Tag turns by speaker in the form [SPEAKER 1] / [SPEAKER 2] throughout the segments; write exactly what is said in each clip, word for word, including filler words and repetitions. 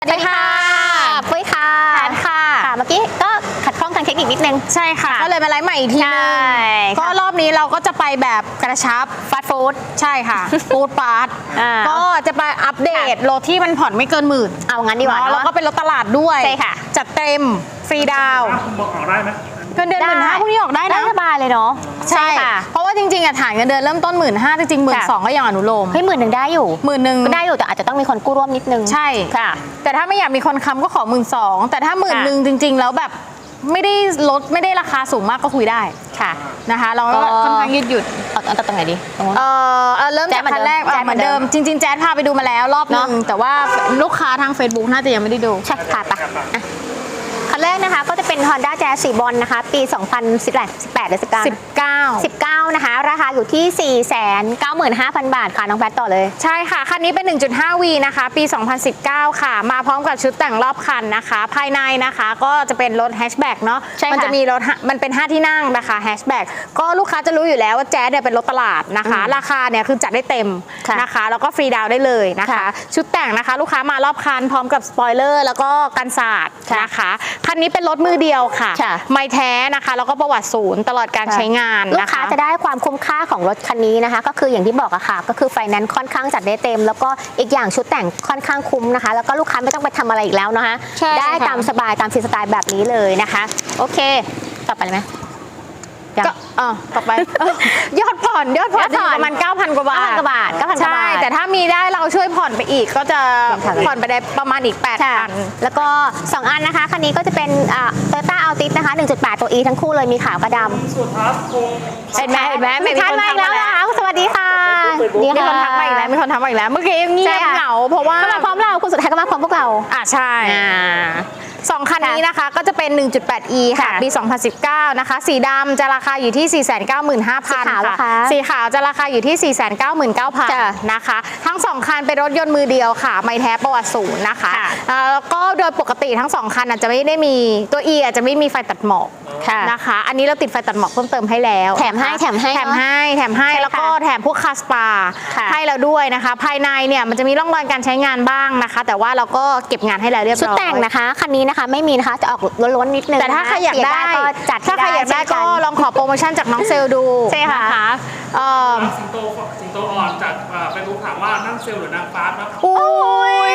[SPEAKER 1] สวัสดีค่ะปุ้ยค่ะแพนค่ะเมื่อกี้ก็ขัดข้องทางเทคนิคนิดนึง
[SPEAKER 2] ใช่ค่ะก็เลยมาไลฟ์ใหม่อีกทีนึงก็รอบนี้เราก็จะไปแบบกระชับ
[SPEAKER 1] ฟาสต์ฟู้ด
[SPEAKER 2] ใช่ค่ะฟู้ดฟาสต์ก็จะไปอัปเดตรถที่มันผ่อนไม่เกินหมื่น
[SPEAKER 1] เอางั้นดีกว่า
[SPEAKER 2] แล้วก็เป็นรถตลาดด้วย
[SPEAKER 1] ใช่ค่ะ
[SPEAKER 2] จัดเต็มฟรีดาว
[SPEAKER 3] บอกออกได้ไหม
[SPEAKER 2] เงินเดือนหมื่นห้าพวกนี้ออกได้นะ
[SPEAKER 1] สบายเลยเนาะ
[SPEAKER 2] ใช่ค่ะเพราะว่าจริงๆอะฐานเงินเดือนเริ่มต้นหมื่นห้าจริงๆหมื่นสองก็ยังอนุโลม
[SPEAKER 1] เฮ้ยหมื่นหนึ่งได้อยู่
[SPEAKER 2] หมื่นหนึ่ง
[SPEAKER 1] ก็ได้อยู่แต่อาจจะต้องมีคนกู้ร่วมนิดนึง
[SPEAKER 2] ใช่
[SPEAKER 1] ค่ะ
[SPEAKER 2] แต่ถ้าไม่อยากมีคนค้ำก็ขอหมื่นสองแต่ถ้าหมื่นหนึ่งจริงๆแล้วแบบไม่ได้ลดไม่ได้ราคาสูงมากก็คุยได้
[SPEAKER 1] ค่ะ
[SPEAKER 2] นะคะเราก็ค่อนข้างยืดหยุ่น
[SPEAKER 1] เอาเอาตรงไหนดี
[SPEAKER 2] เออเริ่มจากคันแรกเหมือนเดิมจริงๆแจ๊ดพาไปดูมาแล้วรอบนึงแต่ว่าลูกค้าทาง Facebook น่าจะยังไม่ได้ดู
[SPEAKER 1] ใช่ค่ะปะคันแรกนะคะก็จะเป็น Honda Jazz สีบอลนะคะปี สองพันสิบแปด สิบแปดหรือสิบเก้า
[SPEAKER 2] สิบเก้า
[SPEAKER 1] สิบเก้านะคะราคาอยู่ที่ สี่แสนเก้าหมื่นห้าพัน บาทค่ะน้องแพทต่อเลย
[SPEAKER 2] ใช่ค่ะคันนี้เป็น หนึ่งจุดห้า วี นะคะปี สองพันสิบเก้า ค่ะมาพร้อมกับชุดแต่งรอบคันนะคะภายในนะคะก็จะเป็นรถแฮชแบ็กเนาะมันจะมีรถมันเป็นห้าที่นั่งนะคะแฮชแบ็กก็ลูกค้าจะรู้อยู่แล้วว่าแจ๊สเนี่ยเป็นรถตลาดนะคะราคาเนี่ยคือจัดได้เต็มนะคะแล้วก็ฟรีดาวได้เลยนะคะชุดแต่งนะคะลูกค้ามารอบคันพร้อมกับสปอยเลอร์แล้วก็กันศาสตร์นะคะคันนี้เป็นรถมือเดียวค่ะไม่แท้นะคะแล้วก็ประวัติศูนย์ตลอดการใช้งาน
[SPEAKER 1] ลูกค้าจะได้ความคุ้มค่าของรถคันนี้นะคะก็คืออย่างที่บอกอะค่ะก็คือไฟแนนซ์ค่อนข้างจัดได้เต็มแล้วก็อีกอย่างชุดแต่งค่อนข้างคุ้มนะคะแล้วก็ลูกค้าไม่ต้องไปทำอะไรอีกแล้วนะคะได้ตามสบายตามฟรีสไตล์แบบนี้เลยนะคะโอเคต่อไปเลยไหม
[SPEAKER 2] ก็อ่าต่อไปยอดผ่อนยอดผ่อนประมาณ เก้าพัน กว่าบาท
[SPEAKER 1] เก้าพัน กว่าบาท เก้าพัน กว่าบาท
[SPEAKER 2] ใช่แต่ถ้ามีได้เราช่วยผ่อนไปอีกก็จะผ่อนไปได้ประมาณอีก แปดพัน
[SPEAKER 1] แล้วก็สองอันนะคะคันนี้ก็จะเป็นอ่า Toyota Altis นะคะ หนึ่งจุดแปด ตัว E ทั้งคู่เลยมีขาวกับดำ
[SPEAKER 3] สุดครับคง
[SPEAKER 1] เห็นไหมเห็นไหมมีคนทักมาแล้วนะคะสวัสดีค่ะ
[SPEAKER 2] มีคนทักมาอีกแล้วมีคนทักมาอีกแล้วเมื่อกี้เงียบเหงาเพราะว่า
[SPEAKER 1] ก็มาพร้อมเราคุณสุดท้ายก็มาพร้อมพวกเรา
[SPEAKER 2] อ่ะใช่สองคันนี้นะคะก็จะเป็น หนึ่งจุดแปด อี ค่ะปี สองพันสิบเก้า นะคะสีดำจะราคาอยู่ที่ สี่แสนเก้าหมื่นห้าพัน ค่ะสีขาวจะราคาอยู่ที่ สี่แสนเก้าหมื่นเก้าพัน นะคะทั้งสองคันเป็นรถยนต์มือเดียวค่ะไม่แท้ประวัติศูนย์นะคะแล้วก็โดยปกติทั้งสองคันอาจจะไม่ได้มีตัว E อาจจะไม่มีไฟตัดหมอกนะคะอันนี้เราติดไฟตัดหมอกเพิ่มเติมให้แล้ว
[SPEAKER 1] แถมให้แถมให้
[SPEAKER 2] แถมให้แถมให้แล้วก็แถมพวกคาสปาให้เราด้วยนะคะภายในเนี่ยมันจะมีร่องรอยการใช้งานบ้างนะคะแต่ว่าเราก็เก็บงานให้แล้วเรียบร้อย
[SPEAKER 1] ชุดแต่งนะคะคันนี้นะคะไม่มีนะคะจะออกล้นๆนิดนึง
[SPEAKER 2] แต่ถ้าใครอยากได้
[SPEAKER 1] ก็จัด
[SPEAKER 2] ถ้าใครอยากได้ก็ลองขอโปรโมชั่นจากน้องเซลดู
[SPEAKER 1] ใช่ค่ะ
[SPEAKER 3] สิงโตสิงโตอ่อนจากเฟซบุ๊กถามว่านั่งเซลหรือนางฟ้าครับ
[SPEAKER 2] อุ้ย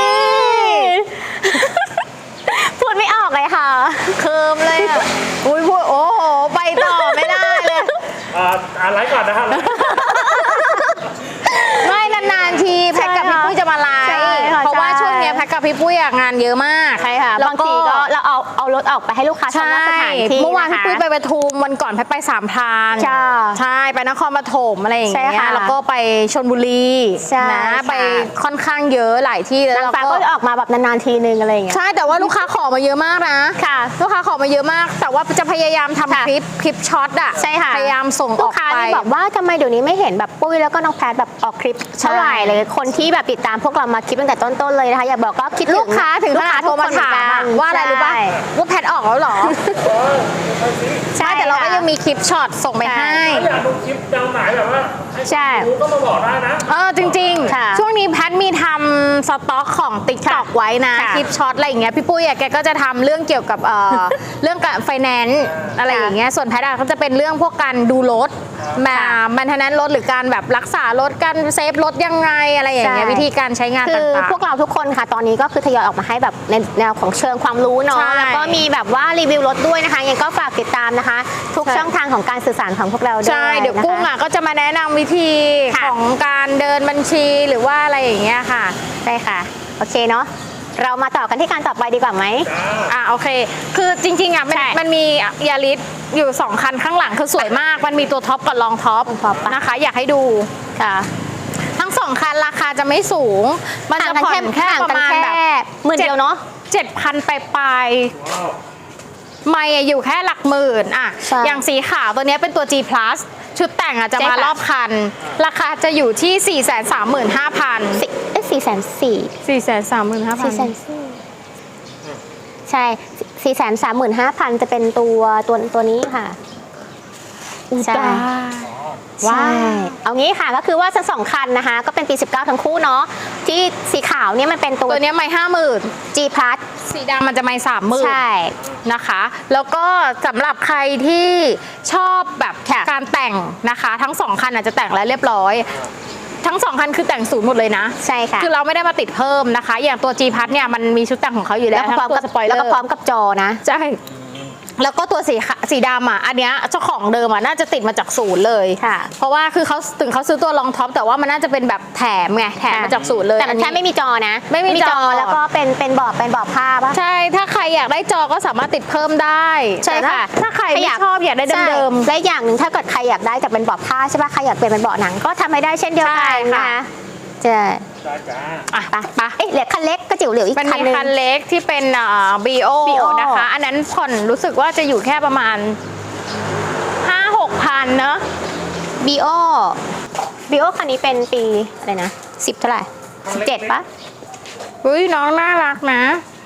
[SPEAKER 1] พูดไม่ออกเลยค่ะ
[SPEAKER 2] เคิมเลยอ่ะอุ้ยพูดโอ้โหไปต่อไม่ได้เลย
[SPEAKER 3] อ่าไลฟ์ก่อนนะครับ
[SPEAKER 2] ไม่นานๆทีแพ็กกับพี่ปุ้ยจะมาไลฟ์เพราะว่าช่วงนี้แพ็กกับพี่ปุ้ยงานเยอะมาก
[SPEAKER 1] ใช่ค่ะบางทีก็เราเอาเอารถออกไปให้ลูกค้าชมว่าสถานที่
[SPEAKER 2] เมื่อวานพี่ปุ้ยไปปทุมวันก่อนแพ็กไปสามพรานใช่ไปนครปฐมอะไรอย่างเงี้ยแล้วก็ไปชลบุรีนะไปค่อนข้างเยอะหลายที่แล้ว
[SPEAKER 1] ก็ก็ออกมาแบบนานๆทีนึงอะไรอย่างเงี้ย
[SPEAKER 2] ใช่แต่ว่าลูกค้าขอมาเยอะมากนะ
[SPEAKER 1] ค่ะ
[SPEAKER 2] ลูกค้าขอมาเยอะมากแต่ว่าจะพยายามทำคลิปคลิปช็อตอ่ะ
[SPEAKER 1] ใช่ค่ะ
[SPEAKER 2] พยายามส่งออกไป
[SPEAKER 1] ลูกค้าที่บอกว่าทำไมเดี๋ยวนี้ไม่เห็นแบบปุ้ยแล้วก็น้องแพทแบบออกคลิปเท่าไหร่เลยคนที่แบบติดตามพวกเรามาคลิปตั้งแต่ต้นๆเลยนะคะอย่าบอกก็คิด
[SPEAKER 2] ลูกค้าถึงขนาดโทรมาถามว่าอะไรรู้ป่ะว่าแพทออกแล้วหรอใช่แต่เราก็ยังมีคลิปช็อตส่งไปให้
[SPEAKER 3] อยากดูคลิปแนวไหนแบบว่า
[SPEAKER 2] ใช่
[SPEAKER 3] ก็มาบอกได้นะ
[SPEAKER 2] เออจริงๆช่วงนี้แพทมีทำสต็อกของ ติ๊กต็อก ไว้นะคลิปช็อตอะไรอย่างเงี้ยพี่ปุ้ยแกก็จะทำเรื่องเกี่ยวกับเรื่องการไฟแนนซ์อะไรอย่างเงี้ยส่วนแพทก็จะเป็นเรื่องพวกการดูรถมาแมนเทนแนนซ์รถหรือการแบบรักษารถการเซฟรถยังไงอะไรอย่างเงี้ยวิธีการใช้งานต่างๆ
[SPEAKER 1] คือพวกเราทุกคนค่ะตอนนี้ก็คือทยอยออกมาให้แบบในแนวของเชิงความรู้เนาะแล้วก็มีแบบว่ารีวิวรถด้วยนะคะยังก็ฝากติดตามนะคะทุกช่องทางของการสื่อสารของพวกเราด้วย
[SPEAKER 2] ใช่เดี๋ยวกุ้งอ่ะก็จะมาแนะนำวิธีของการเดินบัญชีหรือว่าอะไรอย่างเงี้ยค่ะ
[SPEAKER 1] ใช่ค่ะโอเคเนาะเรามาต่อกันที่การต่อไปดีกว่าไหม
[SPEAKER 2] อ่าโอเคคือจริงๆอ่ะมันมันมียาริสอยู่สองคันข้างหลังคือสวยมากมันมีตัวท็อปกับรองท็อปนะคะอยากให้ดู
[SPEAKER 1] ค่ะ
[SPEAKER 2] ทั้งสองคันราคาจะไม่สูงมันจะผ่อนแค่ประมาณแบบ
[SPEAKER 1] หมื่นเดียวเนาะ
[SPEAKER 2] เจ็ดพันไปไปไม่อยู่แค่หลักหมื่นอ่ะอย่างสีขาวตัวนี้เป็นตัว G plus ชุดแต่งอ่ะจะมารอบคันราคาจะอยู่ที่ สี่แสนสามหมื่นห้าพัน
[SPEAKER 1] เอ๊ะสี่แสนสี่
[SPEAKER 2] สี่แสนสามหมื่นห้าพัน
[SPEAKER 1] สี่แสนสี่ใช่ สี่แสนสามหมื่นห้าพัน จะเป็นตัวตัวตัวนี้ค่ะ
[SPEAKER 2] ใช่
[SPEAKER 1] ใช่เอางี้ค่ะก็คือว่าทั้งสองคันนะคะก็เป็นปีสิบเก้าทั้งคู่เนาะที่สีขาวเนี่ยมันเป็นตัว
[SPEAKER 2] ตัวเนี้ยไม่ห้าหมื่น
[SPEAKER 1] G Plus
[SPEAKER 2] สีดำมันจะไม่สามหมื่น
[SPEAKER 1] ใช่
[SPEAKER 2] นะคะ แล้วก็สำหรับใครที่ชอบแบบ
[SPEAKER 1] ค่ะ
[SPEAKER 2] การแต่งนะคะ ทั้งสองคันอาจจะแต่งแล้วเรียบร้อย ทั้งสองคันคือแต่งศูนย์หมดเลยนะ
[SPEAKER 1] ใช่ค่ะ
[SPEAKER 2] คือเราไม่ได้มาติดเพิ่มนะคะ อย่างตัว G Plus เนี่ยมันมีชุดแต่งของเขาอยู่แล้
[SPEAKER 1] แล้ว วก็พร้อม
[SPEAKER 2] ทั้ง
[SPEAKER 1] กับ
[SPEAKER 2] ตัวสปอยเลอ
[SPEAKER 1] แล้วก็
[SPEAKER 2] ร์
[SPEAKER 1] พร้อมกับจอนะ
[SPEAKER 2] ใช่แล้วก็ตัวสีขะสีดำอ่ะอันเนี้ยเจ้าของเดิมอ่ะน่าจะติดมาจากศูนย์เลย
[SPEAKER 1] ค่ะ
[SPEAKER 2] เพราะว่าคือเขาถึงเขาซื้อตัวรองท็อปแต่ว่ามันน่าจะเป็นแบบแถมไงแถมมาจากศูนย์เลย
[SPEAKER 1] แต่มันแค่ไม่มีจอนะ
[SPEAKER 2] ไม่มีจอ
[SPEAKER 1] แล้วก็เป็นเป็นบอร์ดเป็นบอร์ดผ้าปะ
[SPEAKER 2] ใช่ถ้าใครอยากได้จอก็สามารถติดเพิ่มได้
[SPEAKER 1] ใช่
[SPEAKER 2] แต่ถ้า
[SPEAKER 1] ค่ะ
[SPEAKER 2] ถ้าใครไม่ชอบอยากได้เดิม
[SPEAKER 1] ใช่และอย่างหนึ่งถ้าเกิดใครอยากได้แต่เป็นเบาะผ้าใช่ปะใครอยากเปลี่ยนเป็นเบาะหนังก็ทำให้ได้เช่นเดียวกัน
[SPEAKER 2] ใช่ค่ะ
[SPEAKER 1] นะคะใช่
[SPEAKER 3] จ้าจ้า
[SPEAKER 2] อ่ะ
[SPEAKER 1] ไปไปเอ๊ะเหลือคันเล็กก็จิ๋วเหลืออีก
[SPEAKER 2] มัน
[SPEAKER 1] คัน
[SPEAKER 2] มี
[SPEAKER 1] หนึง
[SPEAKER 2] คันเล็กที่เป็นบีโอ
[SPEAKER 1] บี โอ
[SPEAKER 2] นะคะ อันนั้นผ่อนรู้สึกว่าจะอยู่แค่ประมาณ ห้าหกพันเนอะ
[SPEAKER 1] บีโอบีโอคันนี้เป็นปีอะไรนะสิบเท่าไหร่สิบเจ็ดปะ
[SPEAKER 2] อุ้ยน้องน่ารักนะ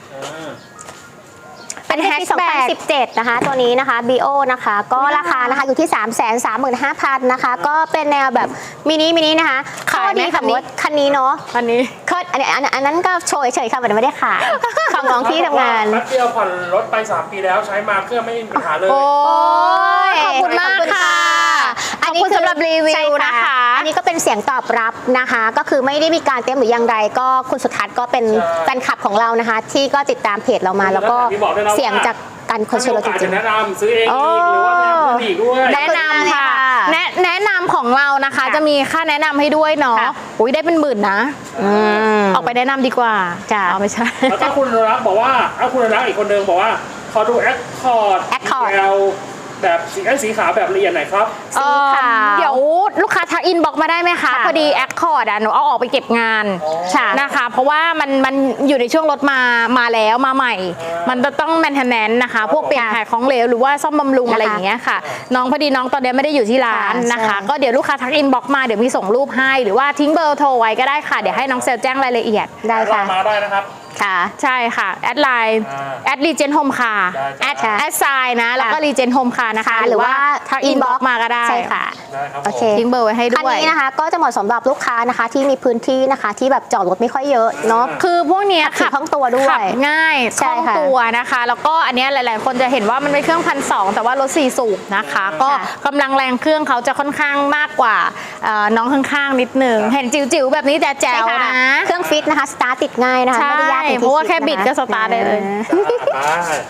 [SPEAKER 2] เป็นแฮช
[SPEAKER 1] สอง
[SPEAKER 2] แบ็
[SPEAKER 1] พัน
[SPEAKER 2] ก
[SPEAKER 1] สิบเจ็ดนะคะตัวนี้นะคะ บี โอ นะคะก็ราคานะคะอยู่ที่ สามแสนสามหมื่นห้าพัน นะคะก็เป็นแนวแบบมินิมินินะคะ
[SPEAKER 2] ขายไหม
[SPEAKER 1] ข้อดี
[SPEAKER 2] คันนี้
[SPEAKER 1] ของรถคันนี้เนาะ
[SPEAKER 2] อันนี้
[SPEAKER 1] ก็อันนี้อันอันนั้นก็โชว์เฉยๆค่ะแต่ไม่ได้ขายของน้องที่ทำงาน
[SPEAKER 3] แป๊บเดียวผ่อนรถไปสามปีแล้วใช้มาเครื่องไม่มีปัญหาเลย
[SPEAKER 2] โอ้ย
[SPEAKER 1] ย
[SPEAKER 2] ขอบคุณมากค่ะ
[SPEAKER 1] อั
[SPEAKER 2] ข
[SPEAKER 1] น
[SPEAKER 2] อบ
[SPEAKER 1] นี้
[SPEAKER 2] คุณ
[SPEAKER 1] คือ
[SPEAKER 2] สำหรับรีวิ
[SPEAKER 1] ใช่
[SPEAKER 2] วนะคะ
[SPEAKER 1] อันนี้ก็เป็นเสียงตอบรับนะคะ ก็คือไม่ได้มีการเตรียมหรืออย่างไรก็คุณสุทัศน์ก็เป็น
[SPEAKER 3] ใช่
[SPEAKER 1] แฟนคลับของเรานะคะ ที่ก็ติดตามเพจเรามาแล้วก็
[SPEAKER 3] ที่บอกด้วยนะว่า
[SPEAKER 1] เสียงจากการคอนเสิร์ตเราจ
[SPEAKER 3] ถ้ามีโอกาส
[SPEAKER 1] ริ
[SPEAKER 3] จะ
[SPEAKER 1] ง
[SPEAKER 3] แนะนำซื้อเองอีกหรือว่าแนะนำคนอีกด้วย
[SPEAKER 2] แนะนำค่ะ
[SPEAKER 1] ขอบคุณมากเลยค่ะ
[SPEAKER 2] แนะแนะนำของเรานะคะ
[SPEAKER 1] ค่ะ
[SPEAKER 2] จะมีค่าแนะนำให้ด้วยเนาะ
[SPEAKER 1] ค่ะ
[SPEAKER 2] อุ้ยได้เป็นหมื่นนะ
[SPEAKER 1] ๆอืม
[SPEAKER 2] ออกไปแนะนำดีกว่า
[SPEAKER 1] จ้ะ
[SPEAKER 2] เอาไม่ใช่
[SPEAKER 3] แล้วก็คุณรักบอกว่าเอาคุณรักอีกคนเดิมบอกว่าขอดูแอคคอร์ด
[SPEAKER 1] Accord
[SPEAKER 3] แบบสีไอ้สีขาวแบบละเอียดหน่อยครับ
[SPEAKER 1] สีขาว
[SPEAKER 2] เอ่อเดี๋ยวลูกค้าทักอินบอกมาได้ไหมคะ
[SPEAKER 1] ค่ะ
[SPEAKER 2] พอดีแอคคอร์ดอ่ะหนูเอาออกไปเก็บงาน
[SPEAKER 1] ค่ะ
[SPEAKER 2] นะคะ เพราะว่ามันมันอยู่ในช่วงรถมามาแล้วมาใหม่ มันจะต้องแมนเทนแนนนะคะ พวกเปลี่ยนถ่ายของเหลวหรือว่าซ่อมบำรุง
[SPEAKER 1] นะคะ
[SPEAKER 2] อะไรอย่างเงี้ยค่ะ น้องพอดีน้องตอนนี้ไม่ได้อยู่ที่ร้าน
[SPEAKER 1] ค่ะ
[SPEAKER 2] นะคะ
[SPEAKER 1] ใช่
[SPEAKER 2] ก็เดี๋ยวลูกค้าทักอินบอกมาเดี๋ยวมีส่งรูปให้หรือว่าทิ้งเบอร์โทรไว้ก็ได้ค่ะเดี๋ยวให้น้องเซลแจ้งรายละเอียด
[SPEAKER 1] ได้ค่ะ
[SPEAKER 3] มาได้นะครับ
[SPEAKER 1] ค่ะ
[SPEAKER 2] ใช่ค่ะ แอดไลน์
[SPEAKER 3] อ่า
[SPEAKER 2] แอดรีเจนโฮมคา
[SPEAKER 3] ได้
[SPEAKER 2] แอด
[SPEAKER 3] จ้ะ
[SPEAKER 2] แอดไซน์นะ แล้วก็รีเจนโฮมคานะคะ
[SPEAKER 1] หรือว่า
[SPEAKER 2] ทักอินบ็อกมาก็ได้
[SPEAKER 1] ใช่ค่ะ
[SPEAKER 3] ได้ครับผม
[SPEAKER 1] โอเค
[SPEAKER 2] ทิ้งเบอร์ไว้ให้
[SPEAKER 1] คัน
[SPEAKER 2] ด้วย
[SPEAKER 1] นี้นะคะก็จะเหมาะสำหรับลูกค้านะคะ ที่มีพื้นที่นะคะที่แบบจอดรถไม่ค่อยเยอะเนาะ
[SPEAKER 2] คือพวกเนี้ย
[SPEAKER 1] ขับขี่คล่องตัวด้วย
[SPEAKER 2] ขับง่ายค
[SPEAKER 1] ใช่
[SPEAKER 2] ล่อง
[SPEAKER 1] ค่ะ
[SPEAKER 2] ตัวนะคะ แล้วก็อันเนี้ยหลาย ๆ คนจะเห็นว่ามันเป็นเครื่องพันสองแต่ว่ารถสี่สูบนะคะ ก็
[SPEAKER 1] ค่ะ
[SPEAKER 2] กำลังแรงเครื่องเขาจะค่อนข้างมากกว่าเอ่อน้องข้างๆนิดนึง เห็นจิ๋วๆแบบนี้แต่แจ๋ว
[SPEAKER 1] ใช่ค่
[SPEAKER 2] นะ
[SPEAKER 1] เครื่องฟิตนะคะ สตาร์ทติดง่ายนะคะ
[SPEAKER 2] ใช่
[SPEAKER 1] ไม่ได้ยากอย่างที่
[SPEAKER 2] เพราะว่าแค่
[SPEAKER 1] ดน
[SPEAKER 2] บิดก็สตาร์ทได้เลย
[SPEAKER 3] ได้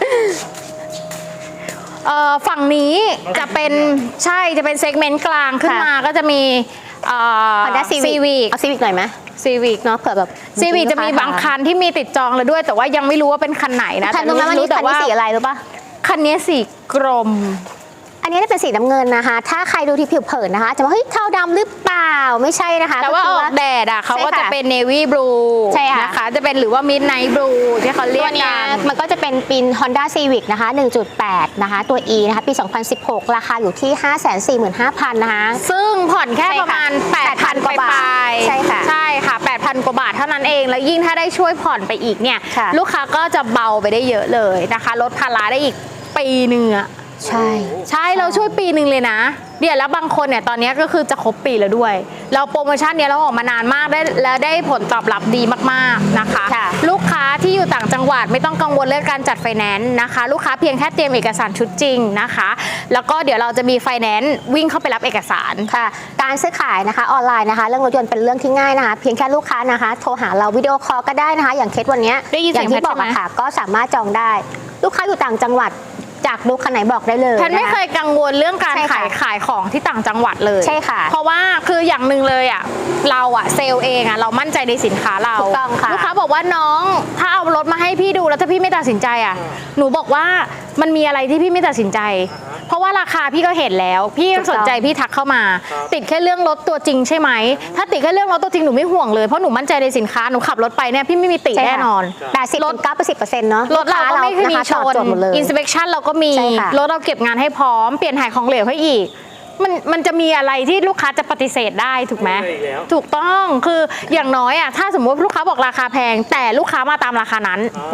[SPEAKER 2] เอ่อฝั่งนี้จะเป็นใช่จะเป็นเซกเมนต์กลางขึ้น
[SPEAKER 1] ค่ะ
[SPEAKER 2] มาก็จะมีเอ่อ
[SPEAKER 1] Honda Civic
[SPEAKER 2] ซีวิก
[SPEAKER 1] เอาซีวิกหน่อยไหม
[SPEAKER 2] ซีวิก
[SPEAKER 1] เนาะเผื่อแบบ
[SPEAKER 2] ซีวิกจะมีบางคันที่มีติดจองแล้วด้วย แต่ว่ายังไม่รู้ว่าเป็นคันไหนนะ
[SPEAKER 1] คันนู้นไหมวันนี้
[SPEAKER 2] แต่
[SPEAKER 1] คันนี้สีอะไรรู้ปะ
[SPEAKER 2] คันนี้สีกรม
[SPEAKER 1] อันนี้จะเป็นสีน้ำเงินนะคะ ถ้าใครดูที่ผิวเผินนะคะ จะว่าเฮ้ยเทาดำหรือเปล่าไม่ใช่นะคะ
[SPEAKER 2] แต่ว่าอ
[SPEAKER 1] คื
[SPEAKER 2] อกแดดอ่ะเขาก็
[SPEAKER 1] ใช่ค่ะ
[SPEAKER 2] จะเป็นเนวี่บลู
[SPEAKER 1] ใช่ค่ะ
[SPEAKER 2] นะคะจะเป็นหรือว่ามิดไนท์บลูที่เขาเรี
[SPEAKER 1] ตั
[SPEAKER 2] ยว ก
[SPEAKER 1] เนี้
[SPEAKER 2] กั
[SPEAKER 1] ย
[SPEAKER 2] น
[SPEAKER 1] มันก็จะเป็นปีน Honda Civic นะคะ หนึ่งจุดแปด นะคะ ตัว E นะคะปี สองพันสิบหก ราคาอยู่ที่ ห้าแสนสี่หมื่นห้าพัน นะคะ
[SPEAKER 2] ซึ่งผ่อนแค่
[SPEAKER 1] ใช่
[SPEAKER 2] ประ
[SPEAKER 1] ค่ะ
[SPEAKER 2] มาณ แปดพัน
[SPEAKER 1] กว่าบาท
[SPEAKER 2] ปลายๆ
[SPEAKER 1] ใช่ค่ะ
[SPEAKER 2] ใช่ค่ะ แปดพัน กว่าบาทเท่านั้นเอง แล้วยิ่งถ้าได้ช่วยผ่อนไปอีกเนี่ย
[SPEAKER 1] ค่ะ
[SPEAKER 2] ลูกค้าก็จะเบาไปได้เยอะเลยนะคะลดภาระได้อีกปีหนึ่งอะ
[SPEAKER 1] ใช่
[SPEAKER 2] ใช่เราช่วยปีหนึ่งเลยนะเดี๋ยวแล้วบางคนเนี่ยตอนนี้ก็คือจะครบปีแล้วด้วย เราโปรโมชั่นเนี้ยเราออกมานานมากได้แล้วได้ผลตอบรับดีมากๆนะคะ
[SPEAKER 1] ค่ะ
[SPEAKER 2] ลูกค้าที่อยู่ต่างจังหวัดไม่ต้องกังวลเรื่องการจัดไฟแนนซ์นะคะ ลูกค้าเพียงแค่เตรียมเอกสารชุดจริงนะคะ แล้วก็เดี๋ยวเราจะมีไฟแนนซ์วิ่งเข้าไปรับเอกสาร
[SPEAKER 1] ค่ะ การซื้อขายนะคะออนไลน์นะคะ เรื่องรถยนต์เป็นเรื่องที่ง่ายนะคะ เพียงแค่ลูกค้านะคะ โทรหาเราวิดีโอคอลก็ได้นะคะ อย่างเคสวันเนี้ย
[SPEAKER 2] ได้ยิน
[SPEAKER 1] อ
[SPEAKER 2] เสีย
[SPEAKER 1] ย่าง งที่
[SPEAKER 2] แพท
[SPEAKER 1] บอก
[SPEAKER 2] ใช่ไหม
[SPEAKER 1] อะค่ะ ก็สามารถจองได้ ลูกค้าอยู่ต่างจังหวัดจากดูคันไหนบอกได้เลย
[SPEAKER 2] แพทย์ไม่
[SPEAKER 1] นะคะ
[SPEAKER 2] เคยกังวลเรื่องการ
[SPEAKER 1] ใช่ค่ะ
[SPEAKER 2] ขายขายของที่ต่างจังหวัดเลย
[SPEAKER 1] ใช่ค่ะ
[SPEAKER 2] เพราะว่าคืออย่างหนึ่งเลยอ่ะเราอ่ะเซลล์เองอ่ะเรามั่นใจในสินค้าเรา
[SPEAKER 1] ถูกต้องค่ะ
[SPEAKER 2] ลูกค้าบอกว่าน้องถ้าเอารถมาให้พี่ดูแล้วถ้าพี่ไม่ตัดสินใจอ่ะหนูบอกว่ามันมีอะไรที่พี่ไม่ตัดสินใจ เพราะว่าราคาพี่ก็เห็นแล้ว พี่ยังสนใจพี่ทักเข้ามา ติดแค่เรื่องรถตัวจริงใช่ไหมถ้าติดแค่เรื่องรถตัวจริงหนูไม่ห่วงเลยเพราะหนูมั่นใจในสินค้าหนูขับรถไปเนี่ยพี่ไม่มีติ
[SPEAKER 1] ใช่ค่ะ
[SPEAKER 2] แน่นอน
[SPEAKER 1] แปดสิบถึงเก้าสิบเปอร์เซ็นต์เนาะ
[SPEAKER 2] รถเราก็ไม่เคยมี
[SPEAKER 1] ลูก
[SPEAKER 2] ช
[SPEAKER 1] ค้าเรา
[SPEAKER 2] น
[SPEAKER 1] นะคะตอบโจทย์หมดเลย
[SPEAKER 2] อินสเปคชั่นเราก็มี
[SPEAKER 1] ใช่ค่ะ
[SPEAKER 2] รถเราเก็บงานให้พร้อม เปลี่ยนถ่ายของเหลวให้อีก มันมันจะมีอะไรที่ลูกค้าจะปฏิเสธได้ถูกไหม
[SPEAKER 3] ไม่ได้แล้ว
[SPEAKER 2] ถูกต้อง คืออย่างน้อยอ่ะ ถ้าสมมติลูกค้าบอกราคาแพง แต่ลูกค้ามาตามราคานั้น
[SPEAKER 1] ใช่